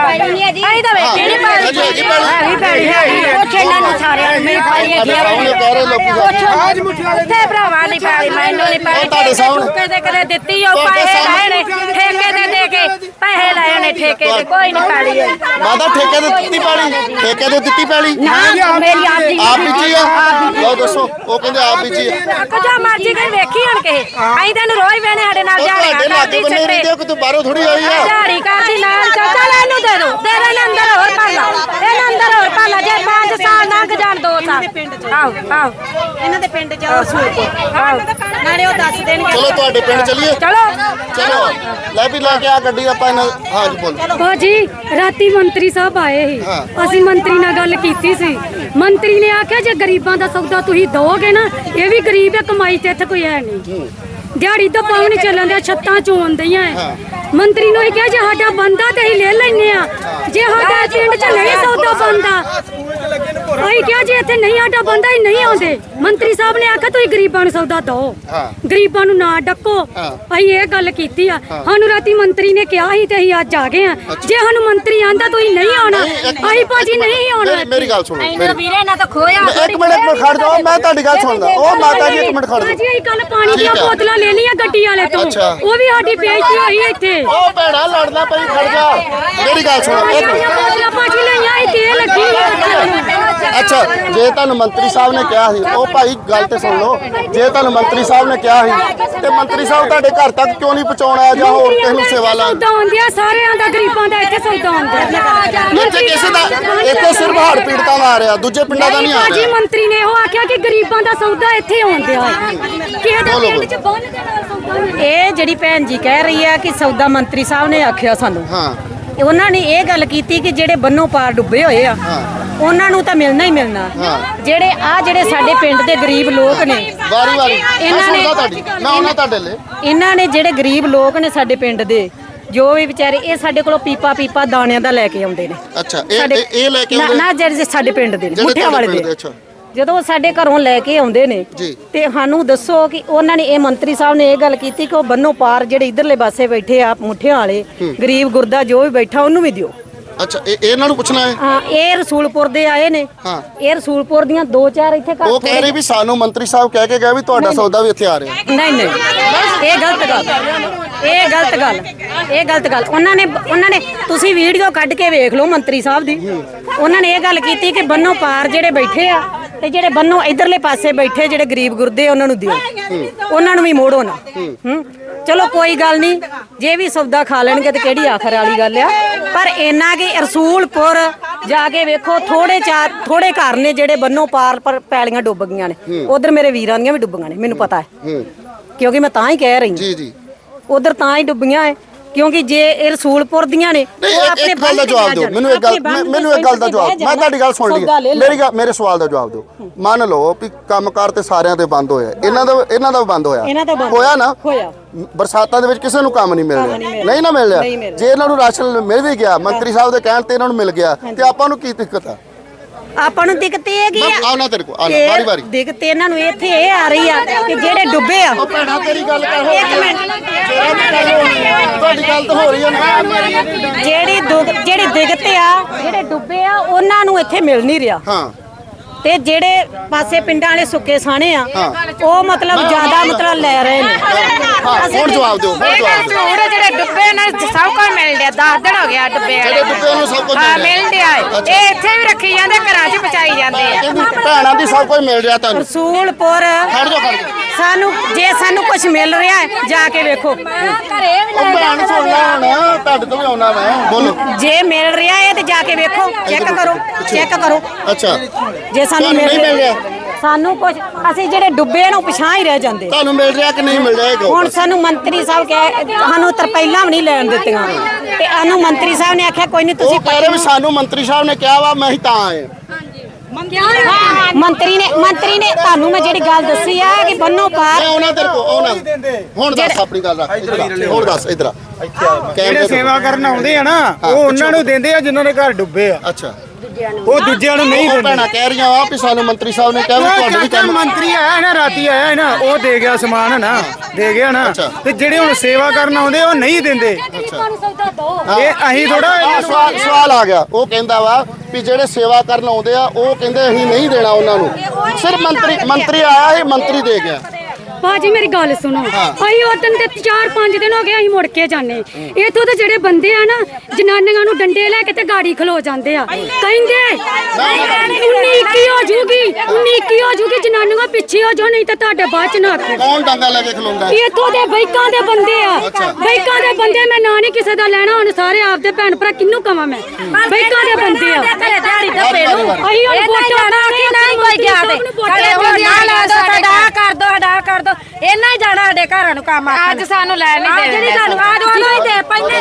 A: ਆਈ ਤਾਂ ਵੇਖੀ ਨਹੀਂ ਪਾਈ
B: ਹਾਂਜੀ, ਹਾਂਜੀ, ਭੈਣ।
A: ਵੀ ਭੈਣੀ ਹੈ ਉਹ ਛੇਲਾਂ ਨੂੰ ਸਾਰਿਆਂ ਨੂੰ ਮੇਰੀ ਪਾਈ ਹੈ
B: ਸਾਹਮਣੇ ਕਹਿ ਰਹੇ ਲੋਕੀ
A: ਉੱਥੇ ਭਰਾਵਾ ਨਹੀਂ ਪਾਈ ਮੈਨੂੰ ਨਹੀਂ ਪਾਈ
B: ਉਹ ਤੁਹਾਡੇ ਸਾਹਮਣੇ।
A: ਠੇਕੇ ਤੇ ਕਦੇ ਦਿੱਤੀ ਉਹ
B: ਤੁਹਾਡੇ
A: ਪੈਸੇ
B: ਸਾਹਮਣੇ।
A: ਲਏ ਨੇ ਠੇਕੇ ਤੇ ਦੇ ਕੇ ਪੈਸੇ ਲਏ ਨੇ ਠੇਕੇ ਤੇ ਕੋਈ ਨਹੀਂ ਪਾਲੀ ਹੈ
B: ਮਾਤਾ ਠੇਕੇ ਤੇ ਦਿੱਤੀ ਪੈਲੀ ਠੇਕੇ ਤੇ ਦਿੱਤੀ ਪੈਲੀ
A: ਨਾ ਮੇਰੀ ਆਪਦੀ
B: ਆਪ ਬੀਜੀ ਆ ਲਓ ਦੱਸੋ ਉਹ ਕਹਿੰਦੇ ਆਪ ਬੀਜੀ ਆ
A: ਕੁਝਾ ਮਰਜੀ ਕੋਈ ਵੇਖੀ ਹਣ ਕੇ ਅਸੀਂ ਤੈਨੂੰ ਰੋਜ਼ ਵੇਣੇ ਸਾਡੇ ਨਾਲ
B: ਉਹ ਤੁਹਾਡੇ
A: ਝਾੜੀਆਂ
B: ਲਾਗੇ
A: ਕਰਦੀ
B: ਬੰਨੇ ਰਹਿੰਦੇ ਹੋ ਕਿ ਤੂੰ ਬਾਹਰੋਂ ਥੋੜੀ ਆਈ ਆ
A: ਝਾੜੀ ਕਰਦੀ ਨਾਲ ਚਾਚਾ ਲੈ ਇਹਨੂੰ ਦੇ ਦੋ ਦੇ ਦੇ ਇਹਨੂੰ ਅੰਦਰ ਹੋਰ ਪਾਲਾ ਇਹਨੂੰ ਅੰਦਰ ਹੋਰ ਪਾਲਾ ਜੇ ਪੰਜ ਸਾਲ ਲੰਘ ਜਾਣ ਦੋ ਸਾਲ ਆਓ ਆਓ ਇਹਨਾਂ ਦੇ ਪਿੰਡ ਜਾਓ ਆਓ ਨਾਲੇ ਉਹ ਦੱਸ ਦੇਣਗੇ
B: ਚਲੋ ਤੁਹਾਡੇ ਪਿੰਡ ਚੱਲੀਏ
A: ਚਲੋ
B: ਚਲੋ ਲੈ ਵੀ ਲੈ ਕੇ ਆ ਗੱਡੀ ਆਪਾਂ ਇਹਨਾਂ ਹਾਂ ਜੀ ਬੋਲ
H: ਭਾਜੀ ਰਾਤੀ ਮੰਤਰੀ ਸਾਹਿਬ ਆਏ ਸੀ
B: ਹਾਂ।
H: ਅਸੀਂ ਮੰਤਰੀ ਨਾਲ ਗੱਲ ਕੀਤੀ ਸੀ ਮੰਤਰੀ ਨੇ ਆਖਿਆ ਜੇ ਗਰੀਬਾਂ ਦਾ ਸੌਦਾ ਤੁਸੀਂ ਦੋਗੇ ਨਾ ਇਹ ਵੀ ਗਰੀਬ ਹੈ ਕਮਾਈ ਤੇ ਇੱਥੇ ਕੋਈ ਹੈ ਨਹੀਂ ਦਿਹਾੜੀ ਤਾਂ ਪਾਉ ਨਹੀਂ ਚੱਲਣ ਦਿਆ ਛੱਤਾਂ ਚੋਣ ਦਈਆਂ ਮੰਤਰੀ ਨੂੰ ਇਹ ਕਿਹਾ ਜੇ ਸਾਡਾ ਬੰਦਾ ਤੇ ਅਸੀਂ ਲੈ ਲੈਨੇ ਆ ਜੇ ਸਾਡਾ ਪਿੰਡ 'ਚ ਨਹੀਂ ਸੌਦਾ ਬੰਦਾ ਅਸੀਂ ਕਿਹਾ ਜੇ ਇੱਥੇ ਨਹੀਂ ਸਾਡਾ ਬੰਦਾ ਹੀ ਨਹੀਂ ਆਉਂਦੇ ਮੰਤਰੀ ਸਾਹਿਬ ਨੇ ਆਖਿਆ ਤੁਸੀਂ ਗਰੀਬਾਂ ਨੂੰ ਸੌਦਾ ਦਿਓ ਗਰੀਬਾਂ ਨੂੰ ਨਾ ਡੱਕੋ ਅਸੀਂ ਇਹ ਗੱਲ ਕੀਤੀ ਆ ਸਾਨੂੰ ਰਾਤੀ ਮੰਤਰੀ ਨੇ ਕਿਹਾ ਸੀ ਤੇ ਅਸੀਂ ਅੱਜ ਆ ਗਏ ਆ ਜੇ ਸਾਨੂੰ ਮੰਤਰੀ ਆਂਦਾ ਤੁਸੀਂ ਨਹੀਂ ਆਉਣਾ ਅਸੀਂ ਭਾਜੀ ਨਹੀਂ ਆਉਣਾ
B: ਮੇਰੀ- ਮੇਰੀ ਗੱਲ ਸੁਣੋ ਮੇਰੀ
A: ਵੀਰੇ ਨਾ ਤਾਂ ਖੋਇਆ
B: ਮੈਂ- ਇੱਕ ਮਿੰਟ ਇੱਕ ਮਿੰਟ ਖੜ ਜਾਓ ਮੈਂ ਤੁਹਾਡੀ ਗੱਲ ਸੁਣਦਾ ਉਹ ਮਾਤਾ ਜੀ ਇੱਕ ਮਿੰਟ ਖੜ
H: ਭਾਜੀ
B: ਜਾਓ
H: ਅਸੀਂ ਕੱਲ ਪਾਣੀ ਦੀਆਂ
B: ਠੀਕ ਆ।
H: ਬੋਤਲਾਂ ਲੈ ਲਈਆਂ ਗੱਡੀ ਵਾਲੇ ਤੋਂ
B: ਅੱਛਾ।
H: ਉਹ ਵੀ ਸਾਡੀ ਬੇਇੱਜ਼ਤੀ ਹੋਈ ਇੱਥੇ
B: ਉਹ ਭੈਣਾ ਲੜਨਾ ਪਈ ਖੜ ਜਾ ਮੇਰੀ ਗੱਲ ਸੁਣੋ ਇੱਕ ਮਿੰਟ
H: ਬੋਤਲਾਂ ਭਾਜੀ ਲਈਆਂ ਇਹ ਤੇਲ ਲੱਗੀ ਆ
B: ਅੱਛਾ ਜੇ ਤੁਹਾਨੂੰ ਮੰਤਰੀ ਸਾਹਿਬ ਨੇ ਕਿਹਾ ਸੀ ਉਹ ਭਾਈ ਗੱਲ ਤੇ ਸੁਣ ਲਓ ਜੇ ਤੁਹਾਨੂੰ ਮੰਤਰੀ ਸਾਹਿਬ ਨੇ ਕਿਹਾ ਸੀ ਤੇ ਮੰਤਰੀ ਸਾਹਿਬ ਤੁਹਾਡੇ ਘਰ ਤੱਕ ਕਿਉਂ ਨਹੀਂ ਪਹੁੰਚਾਉਣਾ ਜਾਂ ਹੋਰ ਕਿਸੇ ਨੂੰ ਸੇਵਾ ਲਾ
H: ਸੌਦਾ ਹੁੰਦਿਆ ਸਾਰਿਆਂ ਦਾ ਗਰੀਬਾਂ ਦਾ ਇੱਥੇ ਸੌਦਾ ਹੁੰਦਾ
B: ਇੱਥੇ ਕਿਸੇ ਦਾ ਇੱਥੇ ਸਿਰਫ ਹੜ੍ਹ ਪੀੜਤਾਂ ਦਾ ਆ ਰਿਹਾ ਦੂਜੇ ਪਿੰਡਾਂ ਦਾ ਨਹੀਂ ਆ
H: ਭਾਜੀ
B: ਰਿਹਾ
H: ਮੰਤਰੀ ਨੇ ਉਹ ਆਖਿਆ ਕਿ ਗਰੀਬਾਂ ਦਾ ਸੌਦਾ ਇੱਥੇ ਆਉਂਦਿਆ ਕਿਸੇ ਦਾ
B: ਬੋਲੋ,
H: ਪਿੰਡ 'ਚ ਬੰਨ ਦੇ ਨਾਲ ਸੌਦਾ ਨਹੀਂ
A: ਇਹ ਜਿਹੜੀ ਭੈਣ ਜੀ ਕਹਿ ਰਹੀ ਆ ਕਿ ਸੌਦਾ ਮੰਤਰੀ ਸਾਹਿਬ ਨੇ ਆਖਿਆ ਸਾਨੂੰ
B: ਹਾਂ
A: ਉਹਨਾਂ ਨੇ ਇਹ ਗੱਲ ਕੀਤੀ ਕਿ ਜਿਹੜੇ ਬੰਨੋਂ ਪਾਰ ਡੁੱਬੇ ਹੋਏ ਆ ਉਹਨਾਂ ਨੂੰ ਤਾਂ ਮਿਲਣਾ ਹੀ ਮਿਲਣਾ ਜਿਹੜੇ ਆ ਜਿਹੜੇ ਸਾਡੇ ਪਿੰਡ ਦੇ ਗਰੀਬ ਲੋਕ ਨੇ
B: ਵਾਰੀ ਵਾਰੀ ਮੈਂ
A: ਇਹਨਾਂ ਨੇ-
B: ਸੁਣਦਾ ਤੁਹਾਡੀ ਮੈਂ ਉਹਨਾਂ ਤੁਹਾਡੇ ਲਈ
A: ਇਹਨਾਂ ਨੇ ਜਿਹੜੇ ਗਰੀਬ ਲੋਕ ਨੇ ਸਾਡੇ ਪਿੰਡ ਦੇ ਜੋ ਵੀ ਵਿਚਾਰੇ ਇਹ ਸਾਡੇ ਕੋਲੋਂ ਪੀਪਾ ਪੀਪਾ ਦਾਣਿਆਂ ਦਾ ਲੈ ਕੇ ਆਉਂਦੇ ਨੇ
B: ਅੱਛਾ ਇਹ
A: ਸਾਡੇ-
B: ਇਹ- ਇਹ ਲੈ ਕੇ
A: ਨਾ-
B: ਆਉਂਦੇ
A: ਨਾ ਜਿਹੜੇ ਸਾਡੇ ਪਿੰਡ ਦੇ ਨੇ,
B: ਜਿਹੜੇ
A: ਮੁੱਠਿਆਂ
B: ਤੁਹਾਡੇ
A: ਵਾਲੇ
B: ਪਿੰਡ ਦੇ
A: ਦੇ
B: ਅੱਛਾ
A: ਜਦੋਂ ਉਹ ਸਾਡੇ ਘਰੋਂ ਲੈ ਕੇ ਆਉਂਦੇ ਨੇ
B: ਜੀ।
A: ਤੇ ਸਾਨੂੰ ਦੱਸੋ ਕਿ ਉਹਨਾਂ ਨੇ ਇਹ ਮੰਤਰੀ ਸਾਹਿਬ ਨੇ ਇਹ ਗੱਲ ਕੀਤੀ ਕਿ ਉਹ ਬੰਨੋਂ ਪਾਰ ਜਿਹੜੇ ਇਧਰਲੇ ਪਾਸੇ ਬੈਠੇ ਆ ਮੁੱਠਿਆਂ ਵਾਲੇ ਗਰੀਬ ਗੁਰਦਾ ਜੋ ਵੀ ਬੈਠਾ ਉਹਨੂੰ ਵੀ ਦਿਓ
B: ਅੱਛਾ ਇਹ ਇਹ ਇਹਨਾਂ ਨੂੰ ਪੁੱਛਣਾ ਹੈ
A: ਹਾਂ ਇਹ ਰਸੂਲਪੁਰ ਦੇ ਆਏ ਨੇ
B: ਹਾਂ।
A: ਇਹ ਰਸੂਲਪੁਰ ਦੀਆਂ ਦੋ ਚਾਰ ਇੱਥੇ ਘਰ
B: ਉਹ ਕਹਿ ਰਹੇ ਵੀ ਸਾਨੂੰ ਮੰਤਰੀ ਸਾਹਿਬ ਕਹਿ ਕੇ ਗਏ ਵੀ ਤੁਹਾਡਾ ਸੌਦਾ ਵੀ ਇੱਥੇ ਆ ਰਿਹਾ
A: ਨਹੀਂ ਨਹੀਂ ਇਹ ਗਲਤ ਗੱਲ ਇਹ ਗਲਤ ਗੱਲ ਇਹ ਗਲਤ ਗੱਲ ਉਹਨਾਂ ਨੇ ਉਹਨਾਂ ਨੇ ਤੁਸੀਂ ਵੀਡੀਓ ਕੱਢ ਕੇ ਵੇਖ ਲਓ ਮੰਤਰੀ ਸਾਹਿਬ ਦੀ ਉਹਨਾਂ ਨੇ ਇਹ ਗੱਲ ਕੀਤੀ ਕਿ ਬੰਨੋਂ ਪਾਰ ਜਿਹੜੇ ਬੈਠੇ ਆ ਤੇ ਜਿਹੜੇ ਬੰਨੋ ਇਧਰਲੇ ਪਾਸੇ ਬੈਠੇ ਜਿਹੜੇ ਗਰੀਬ ਗੁਰਦੇ ਉਹਨਾਂ ਨੂੰ ਦਿਓ, ਉਹਨਾਂ ਨੂੰ ਵੀ ਮੋੜੋ ਨਾ। ਹੂੰ ਚਲੋ ਕੋਈ ਗੱਲ ਨਹੀਂ, ਜੇ ਵੀ ਸੌਦਾ ਖਾ ਲੈਣਗੇ ਤੇ ਕਿਹੜੀ ਆਖਰ ਵਾਲੀ ਗੱਲ ਆ। ਪਰ ਇੰਨਾ ਕਿ ਰਸੂਲਪੁਰ ਜਾ ਕੇ ਵੇਖੋ, ਥੋੜੇ ਚਾਰ ਥੋੜੇ ਘਰ ਨੇ ਜਿਹੜੇ ਬੰਨੋ ਪਾਰ ਪਰ ਪੈਲੀਆਂ ਡੁੱਬ ਗਈਆਂ ਨੇ। ਉਧਰ ਮੇਰੇ ਵੀਰਾਂ ਦੀਆਂ ਵੀ ਡੁੱਬੀਆਂ ਨੇ, ਮੈਨੂੰ ਪਤਾ ਹੈ, ਕਿਉਂਕਿ ਮੈਂ ਤਾਂ ਹੀ ਕਹਿ ਰਹੀ
B: ਜੀ ਜੀ
A: ਉਧਰ ਤਾਂ ਹੀ ਡੁੱਬੀਆਂ ਹੈ ਕਿਉਂਕਿ ਜੇ ਇਹ ਰਸੂਲਪੁਰ ਦੀਆਂ ਨੇ
B: ਨਹੀਂ, ਇੱਕ- ਇੱਕ ਗੱਲ ਦਾ ਜਵਾਬ ਦਿਓ ਮੈਨੂੰ, ਇੱਕ ਗੱਲ ਮੈਂ- ਮੈਨੂੰ ਇੱਕ ਗੱਲ ਦਾ ਜਵਾਬ, ਮੈਂ ਤੁਹਾਡੀ ਗੱਲ ਸੁਣ ਲਈ, ਮੇਰੀ ਗੱਲ ਮੇਰੇ ਸਵਾਲ ਦਾ ਜਵਾਬ ਦਿਓ। ਮੰਨ ਲਓ ਵੀ ਕੰਮਕਾਰ ਤੇ ਸਾਰਿਆਂ ਦੇ ਬੰਦ ਹੋਇਆ, ਇਹਨਾਂ ਦਾ ਇਹਨਾਂ ਦਾ ਵੀ ਬੰਦ ਹੋਇਆ,
A: ਇਹਨਾਂ ਦਾ ਬੰਦ
B: ਹੋਇਆ ਨਾ?
A: ਹੋਇਆ।
B: ਬਰਸਾਤਾਂ ਦੇ ਵਿੱਚ ਕਿਸੇ ਨੂੰ ਕੰਮ ਨਹੀਂ ਮਿਲ ਰਿਹਾ, ਨਹੀਂ ਨਾ ਮਿਲ ਰਿਹਾ। ਜੇ ਇਹਨਾਂ ਨੂੰ ਰਾਸ਼ਨ ਮਿਲ ਵੀ ਗਿਆ, ਮੰਤਰੀ ਸਾਹਿਬ ਦੇ ਕਹਿਣ ਤੇ ਇਹਨਾਂ ਨੂੰ ਮਿਲ ਗਿਆ, ਤੇ ਆਪਾਂ ਨੂੰ ਕੀ ਦਿੱਕਤ ਆ?
A: ਆਪਾਂ ਨੂੰ ਦਿੱਕਤ ਇਹ ਹੈਗੀ ਆ,
B: ਆਉਣਾ ਤੇਰੇ ਕੋਲ, ਆਉਣਾ ਵਾਰੀ ਵਾਰੀ।
A: ਦਿੱਕਤ ਇਹਨਾਂ ਨੂੰ ਇੱਥੇ ਇਹ ਆ ਰਹੀ ਆ ਕਿ ਜਿਹੜੇ ਡੁੱਬੇ ਆ,
B: ਭੈਣਾ ਤੇਰੀ ਗੱਲ ਕਰ,
A: ਇੱਕ ਮਿੰਟ,
B: ਤੁਹਾਡੀ ਗੱਲ ਤਾਂ ਹੋ ਰਹੀ ਹੈ ਨਾ।
A: ਜਿਹੜੀ ਦੁੱਖ ਜਿਹੜੀ ਦਿੱਕਤ ਆ, ਜਿਹੜੇ ਡੁੱਬੇ ਆ ਉਹਨਾਂ ਨੂੰ ਇੱਥੇ ਮਿਲ ਨਹੀਂ ਰਿਹਾ।
B: ਹਾਂ
A: ਤੇ ਜਿਹੜੇ ਪਾਸੇ ਪਿੰਡਾਂ ਵਾਲੇ ਸੁੱਕੇ ਸਾਣੇ ਆ, ਉਹ ਮਤਲਬ ਜ਼ਿਆਦਾ ਮਤਲਬ ਲੈ ਰਹੇ ਨੇ।
B: ਹਾਂ ਹੁਣ ਜਵਾਬ ਦਿਓ, ਹੁਣ ਜਵਾਬ ਦਿਓ।
G: ਝੂਠ ਜਿਹੜੇ ਡੁੱਬੇ ਨੇ ਸਭ ਕੁਝ ਮਿਲ ਰਿਹਾ, ਦਸ ਦਿਨ ਹੋ ਗਿਆ ਡੁੱਬੇ ਵਾਲੇ
B: ਜਿਹੜੇ ਡੁੱਬੇ ਨੂੰ ਸਭ ਕੁਝ
G: ਹਾਂ
B: ਮਿਲ
G: ਮਿਲ ਰਿਹਾ ਹੈ। ਇਹ ਇੱਥੇ ਵੀ ਰੱਖੀ ਜਾਂਦੇ, ਘਰਾਂ 'ਚ ਪਚਾਈ ਜਾਂਦੇ ਆ।
B: ਕਹਿੰਦੀ ਭੈਣਾਂ ਦੀ ਸਭ ਕੁਝ ਮਿਲ ਰਿਹਾ ਤੁਹਾਨੂੰ।
A: ਰਸੂਲਪੁਰ
B: ਖੜ ਜਾਓ, ਖੜ ਜਾਓ।
A: ਸਾਨੂੰ ਜੇ ਸਾਨੂੰ ਕੁਝ ਮਿਲ ਰਿਹਾ ਹੈ, ਜਾ ਕੇ ਵੇਖੋ।
B: ਉਹ ਭੈਣ ਸੁਣਨਾ ਹੁਣ, ਤੁਹਾਡੇ ਤੋਂ ਵੀ ਆਉਣਾ ਮੈਂ, ਬੋਲੋ।
A: ਜੇ ਮਿਲ ਰਿਹਾ ਹੈ ਤੇ ਜਾ ਕੇ ਵੇਖੋ, ਚੈੱਕ ਕਰੋ, ਚੈੱਕ ਕਰੋ।
B: ਅੱਛਾ,
A: ਜੇ ਸਾਨੂੰ
B: ਤੁਹਾਨੂੰ ਨਹੀਂ ਮਿਲ ਰਿਹਾ?
A: ਸਾਨੂੰ ਕੁਝ, ਅਸੀਂ ਜਿਹੜੇ ਡੁੱਬੇ ਨੂੰ ਪਛਾਣ ਹੀ ਰਹਿ ਜਾਂਦੇ।
B: ਤੁਹਾਨੂੰ ਮਿਲ ਰਿਹਾ ਕਿ ਨਹੀਂ ਮਿਲ ਰਿਹਾ? ਇਹ ਕਹੋ।
A: ਹੁਣ ਸਾਨੂੰ ਮੰਤਰੀ ਸਾਹਿਬ ਕਹੇ ਸਾਨੂੰ ਤਰਪਾਈਲਾਂ ਵੀ ਨਹੀਂ ਲੈਣ ਦਿੱਤੀਆਂ, ਤੇ ਸਾਨੂੰ ਮੰਤਰੀ ਸਾਹਿਬ ਨੇ ਆਖਿਆ ਕੋਈ ਨਹੀਂ ਤੁਸੀਂ
B: ਉਹ ਕਹਿ ਰਹੇ ਵੀ ਸਾਨੂੰ ਮੰਤਰੀ ਸਾਹਿਬ ਨੇ ਕਿਹਾ ਵਾ, ਮੈਂ ਹੀ ਤਾਂ ਆਏ।
A: ਮੰਤਰੀ ਨੇ ਮੰਤਰੀ ਨੇ ਤੁਹਾਨੂੰ ਮੈਂ ਜਿਹੜੀ ਗੱਲ ਦੱਸੀ ਆ ਕਿ ਬੰਨੋ ਪਾਰ
B: ਮੈਂ ਉਹਨਾਂ ਤੇਰੇ ਕੋ ਆਉਣਾ। ਹੁਣ ਦੱਸ ਆਪਣੀ ਗੱਲ ਰੱਖ, ਇੱਧਰ ਆ, ਹੁਣ ਦੱਸ ਇੱਧਰ ਆ।
E: ਜਿਹੜੇ ਸੇਵਾ ਕਰਨ ਆਉਂਦੇ ਆ ਨਾ, ਉਹ ਉਹਨਾਂ ਨੂੰ ਦਿੰਦੇ ਆ ਜਿਨ੍ਹਾਂ ਦੇ ਘਰ ਡੁੱਬੇ ਆ,
B: ਅੱਛਾ,
E: ਉਹ ਦੂਜਿਆਂ ਨੂੰ ਨਹੀਂ
B: ਉਹ
E: ਦਿੰਦੇ।
B: ਭੈਣਾਂ ਕਹਿ ਰਹੀਆਂ ਆ ਵੀ ਸਾਨੂੰ ਮੰਤਰੀ ਸਾਹਿਬ ਨੇ ਕਿਹਾ ਵੀ ਤੁਹਾਡੇ ਵੀ ਕੰਮ।
E: ਮੰਤਰੀ ਆਇਆ ਨਾ, ਰਾਤੀ ਆਇਆ ਨਾ, ਉਹ ਦੇ ਗਿਆ ਸਮਾਨ ਨਾ, ਦੇ ਗਿਆ ਨਾ। ਤੇ ਜਿਹੜੇ ਹੁਣ ਸੇਵਾ ਕਰਨ ਆਉਂਦੇ ਉਹ ਨਹੀਂ ਦਿੰਦੇ। ਇਹ ਅਸੀਂ ਥੋੜਾ
B: ਆਹ ਸਵਾਲ ਸਵਾਲ ਆ ਗਿਆ, ਉਹ ਕਹਿੰਦਾ ਵਾ ਵੀ ਜਿਹੜੇ ਸੇਵਾ ਕਰਨ ਆਉਂਦੇ ਆ ਉਹ ਕਹਿੰਦੇ ਅਸੀਂ ਨਹੀਂ ਦੇਣਾ ਉਹਨਾਂ ਨੂੰ, ਸਿਰਫ ਮੰਤਰੀ ਮੰਤਰੀ ਆਇਆ ਸੀ, ਮੰਤਰੀ ਦੇ ਗਿਆ।
H: ਭਾਜੀ ਮੇਰੀ ਗੱਲ ਸੁਣੋ, ਅਸੀਂ ਉਹ ਦਿਨ ਤੇ ਚਾਰ ਪੰਜ ਦਿਨ ਹੋ ਗਏ ਅਸੀਂ ਮੁੜ ਕੇ ਜਾਣੇ। ਇੱਥੋਂ ਦੇ ਜਿਹੜੇ ਬੰਦੇ ਆ ਨਾ, ਜਨਾਨੀਆਂ ਨੂੰ ਡੰਡੇ ਲੈ ਕੇ ਤੇ ਗਾੜੀ ਖਲੋ ਜਾਂਦੇ ਆ, ਕਹਿੰਦੇ ਉਨੀ ਇੱਕੀ ਹੋ ਜੂਗੀ, ਉਨੀ ਇੱਕੀ ਹੋ ਜੂਗੀ, ਜਨਾਨੀਆਂ ਪਿੱਛੇ ਹੋ ਜਾਓ ਨਹੀਂ ਤਾਂ ਤੁਹਾਡੇ ਬਾਅਦ ਚ ਨਾ ਆਖੇ।
B: ਕੌਣ ਡਾਂਗਾ ਲੈ ਕੇ ਖਲੋਂਦਾ?
H: ਇੱਥੋਂ ਦੇ ਬਾਈਕਾਂ ਦੇ ਬੰਦੇ ਆ, ਬਾਈਕਾਂ ਦੇ ਬੰਦੇ। ਮੈਂ ਨਾਂ ਨਹੀਂ ਕਿਸੇ ਦਾ ਲੈਣਾ, ਹੁਣ ਸਾਰੇ ਆਪਦੇ ਭੈਣ ਭਰਾ ਕਿਹਨੂੰ ਕਵਾਂ ਮੈਂ, ਬਾਈਕਾਂ ਦੇ ਬੰਦੇ ਆ।
A: ਦਿਹਾੜੀ ਦੱਪੇ ਨੂੰ
H: ਅਸੀਂ ਹੁਣ ਵੋਟਾਂ ਪਾ ਕੇ
A: ਨਹੀਂ ਕੋਈ ਗਿਆ ਤੇ ਸਾਡੇ ਹੁਣ ਨਾ ਲਾ ਦੋ, ਸਾਡਾ ਕਰ ਦੋ, ਸਾਡਾ ਕਰ ਦੋ, ਇਹਨਾਂ ਹੀ ਜਾਣਾ ਸਾਡੇ ਘਰਾਂ ਨੂੰ ਕੰਮ ਆ।
G: ਅੱਜ ਸਾਨੂੰ ਲੈਣ ਨਹੀਂ
A: ਅੱਜ ਨਹੀਂ ਸਾਨੂੰ, ਅੱਜ ਉਹਨੂੰ ਹੀ ਦੇ ਪਹਿਲੇ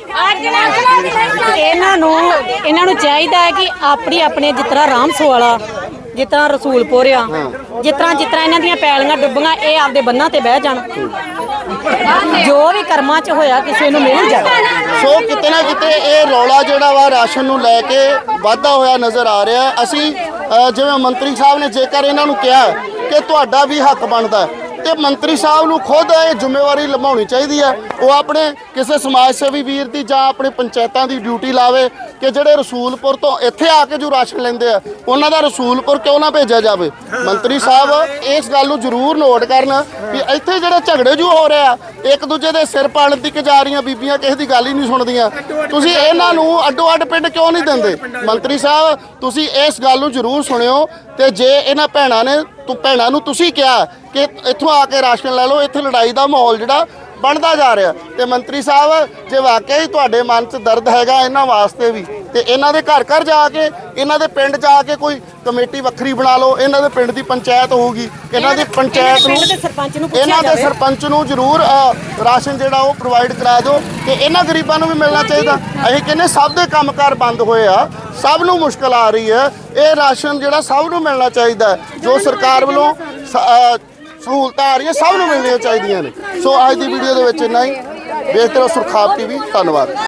A: ਇਹਨਾਂ ਨੂੰ ਇਹਨਾਂ ਨੂੰ ਚਾਹੀਦਾ ਹੈ ਕਿ ਆਪਣੀ ਆਪਣੇ ਜਿਸ ਤਰ੍ਹਾਂ ਰਾਮਸੋ ਵਾਲਾ, ਜਿਸ ਤਰ੍ਹਾਂ ਰਸੂਲਪੁਰ ਆ, ਜਿਸ ਤਰ੍ਹਾਂ ਜਿਸ ਤਰ੍ਹਾਂ ਇਹਨਾਂ ਦੀਆਂ ਪੈਲੀਆਂ ਡੁੱਬੀਆਂ, ਇਹ ਆਪਦੇ ਬੰਨਾਂ ਤੇ ਬਹਿ ਜਾਣ, ਜੋ ਵੀ ਕਰਮਾਂ 'ਚ ਹੋਇਆ ਕਿਸੇ ਨੂੰ ਮਿਲ ਜਾਵੇ।
B: ਸੋ ਕਿਤੇ ਨਾ ਕਿਤੇ ਇਹ ਰੌਲਾ ਜਿਹੜਾ ਵਾ ਰਾਸ਼ਨ ਨੂੰ ਲੈ ਕੇ ਵਾਧਾ ਹੋਇਆ ਨਜ਼ਰ ਆ ਰਿਹਾ। ਅਸੀਂ ਅ, ਜਿਵੇਂ ਮੰਤਰੀ ਸਾਹਿਬ ਨੇ ਜੇਕਰ ਇਹਨਾਂ ਨੂੰ ਕਿਹਾ ਕਿ ਤੁਹਾਡਾ ਵੀ ਹੱਕ ਬਣਦਾ ਤੇ ਮੰਤਰੀ ਸਾਹਿਬ ਨੂੰ ਖੁਦ ਇਹ ਜ਼ਿੰਮੇਵਾਰੀ ਨਿਭਾਉਣੀ ਚਾਹੀਦੀ ਹੈ। ਉਹ ਆਪਣੇ ਕਿਸੇ ਸਮਾਜ ਸੇਵੀ ਵੀਰ ਦੀ ਜਾਂ ਆਪਣੇ ਪੰਚਾਇਤਾਂ ਦੀ ਡਿਊਟੀ ਲਾਵੇ ਕਿ ਜਿਹੜੇ ਰਸੂਲਪੁਰ ਤੋਂ ਇੱਥੇ ਆ ਕੇ ਜੋ ਰਾਸ਼ਨ ਲੈਂਦੇ ਆ ਉਹਨਾਂ ਦਾ ਰਸੂਲਪੁਰ ਕਿਉਂ ਨਾ ਭੇਜਿਆ ਜਾਵੇ। ਮੰਤਰੀ ਸਾਹਿਬ ਇਸ ਗੱਲ ਨੂੰ ਜ਼ਰੂਰ ਨੋਟ ਕਰਨ ਵੀ ਇੱਥੇ ਜਿਹੜੇ ਝਗੜੇ ਜੋ ਹੋ ਰਹੇ ਆ, ਇੱਕ ਦੂਜੇ ਦੇ ਸਿਰ ਪਾਲਣ ਦੀ ਜਾ ਰਹੀਆਂ ਬੀਬੀਆਂ ਕਿਸੇ ਦੀ ਗੱਲ ਹੀ ਨਹੀਂ ਸੁਣਦੀਆਂ, ਤੁਸੀਂ ਇਹਨਾਂ ਨੂੰ ਅੱਡੋ ਅੱਡ ਪਿੰਡ ਕਿਉਂ ਨਹੀਂ ਦਿੰਦੇ? ਮੰਤਰੀ ਸਾਹਿਬ ਤੁਸੀਂ ਇਸ ਗੱਲ ਨੂੰ ਜ਼ਰੂਰ ਸੁਣਿਓ, ਤੇ ਜੇ ਇਹਨਾਂ ਭੈਣਾਂ ਨੇ ਤੂੰ ਭੈਣਾਂ ਨੂੰ ਤੁਸੀਂ ਕਿਹਾ ਕਿ ਇੱਥੋਂ ਆ ਕੇ ਰਾਸ਼ਨ ਲੈ ਲਓ, ਇੱਥੇ ਲੜਾਈ ਦਾ ਮਾਹੌਲ ਜਿਹੜਾ ਬਣਦਾ ਜਾ ਰਿਹਾ, ਤੇ ਮੰਤਰੀ ਸਾਹਿਬ ਜੇ ਵਾਕਈ ਹੀ ਤੁਹਾਡੇ ਮਨ 'ਚ ਦਰਦ ਹੈਗਾ ਇਹਨਾਂ ਵਾਸਤੇ ਵੀ, ਤੇ ਇਹਨਾਂ ਦੇ ਘਰ ਘਰ ਜਾ ਕੇ, ਇਹਨਾਂ ਦੇ ਪਿੰਡ ਜਾ ਕੇ ਕੋਈ ਕਮੇਟੀ ਵੱਖਰੀ ਬਣਾ ਲਓ, ਇਹਨਾਂ ਦੇ ਪਿੰਡ ਦੀ ਪੰਚਾਇਤ ਹੋਊਗੀ, ਇਹਨਾਂ ਦੀ ਪੰਚਾਇਤ ਨੂੰ, ਇਹਨਾਂ ਦੇ ਸਰਪੰਚ ਨੂੰ ਜ਼ਰੂਰ ਰਾਸ਼ਨ ਜਿਹੜਾ ਉਹ ਪ੍ਰੋਵਾਈਡ ਕਰਾ ਦਿਓ, ਤੇ ਇਹਨਾਂ ਗਰੀਬਾਂ ਨੂੰ ਵੀ ਮਿਲਣਾ ਚਾਹੀਦਾ। ਅਸੀਂ ਕਹਿੰਦੇ ਸਭ ਦੇ ਕੰਮਕਾਰ ਬੰਦ ਹੋਏ ਆ, ਸਭ ਨੂੰ ਮੁਸ਼ਕਲ ਆ ਰਹੀ ਹੈ, ਇਹ ਰਾਸ਼ਨ ਜਿਹੜਾ ਸਭ ਨੂੰ ਮਿਲਣਾ ਚਾਹੀਦਾ, ਜੋ ਸਰਕਾਰ ਵੱਲੋਂ ਸਹੂਲਤਾਂ ਆ ਰਹੀਆਂ ਸਭ ਨੂੰ ਮਿਲਣੀਆਂ ਚਾਹੀਦੀਆਂ ਨੇ। ਸੋ ਅੱਜ ਦੀ ਵੀਡੀਓ ਦੇ ਵਿੱਚ ਇੰਨਾ ਹੀ। ਵੇਖਦੇ ਰਹੋ ਸੁਰਖਾਬ ਟੀਵੀ। ਧੰਨਵਾਦ।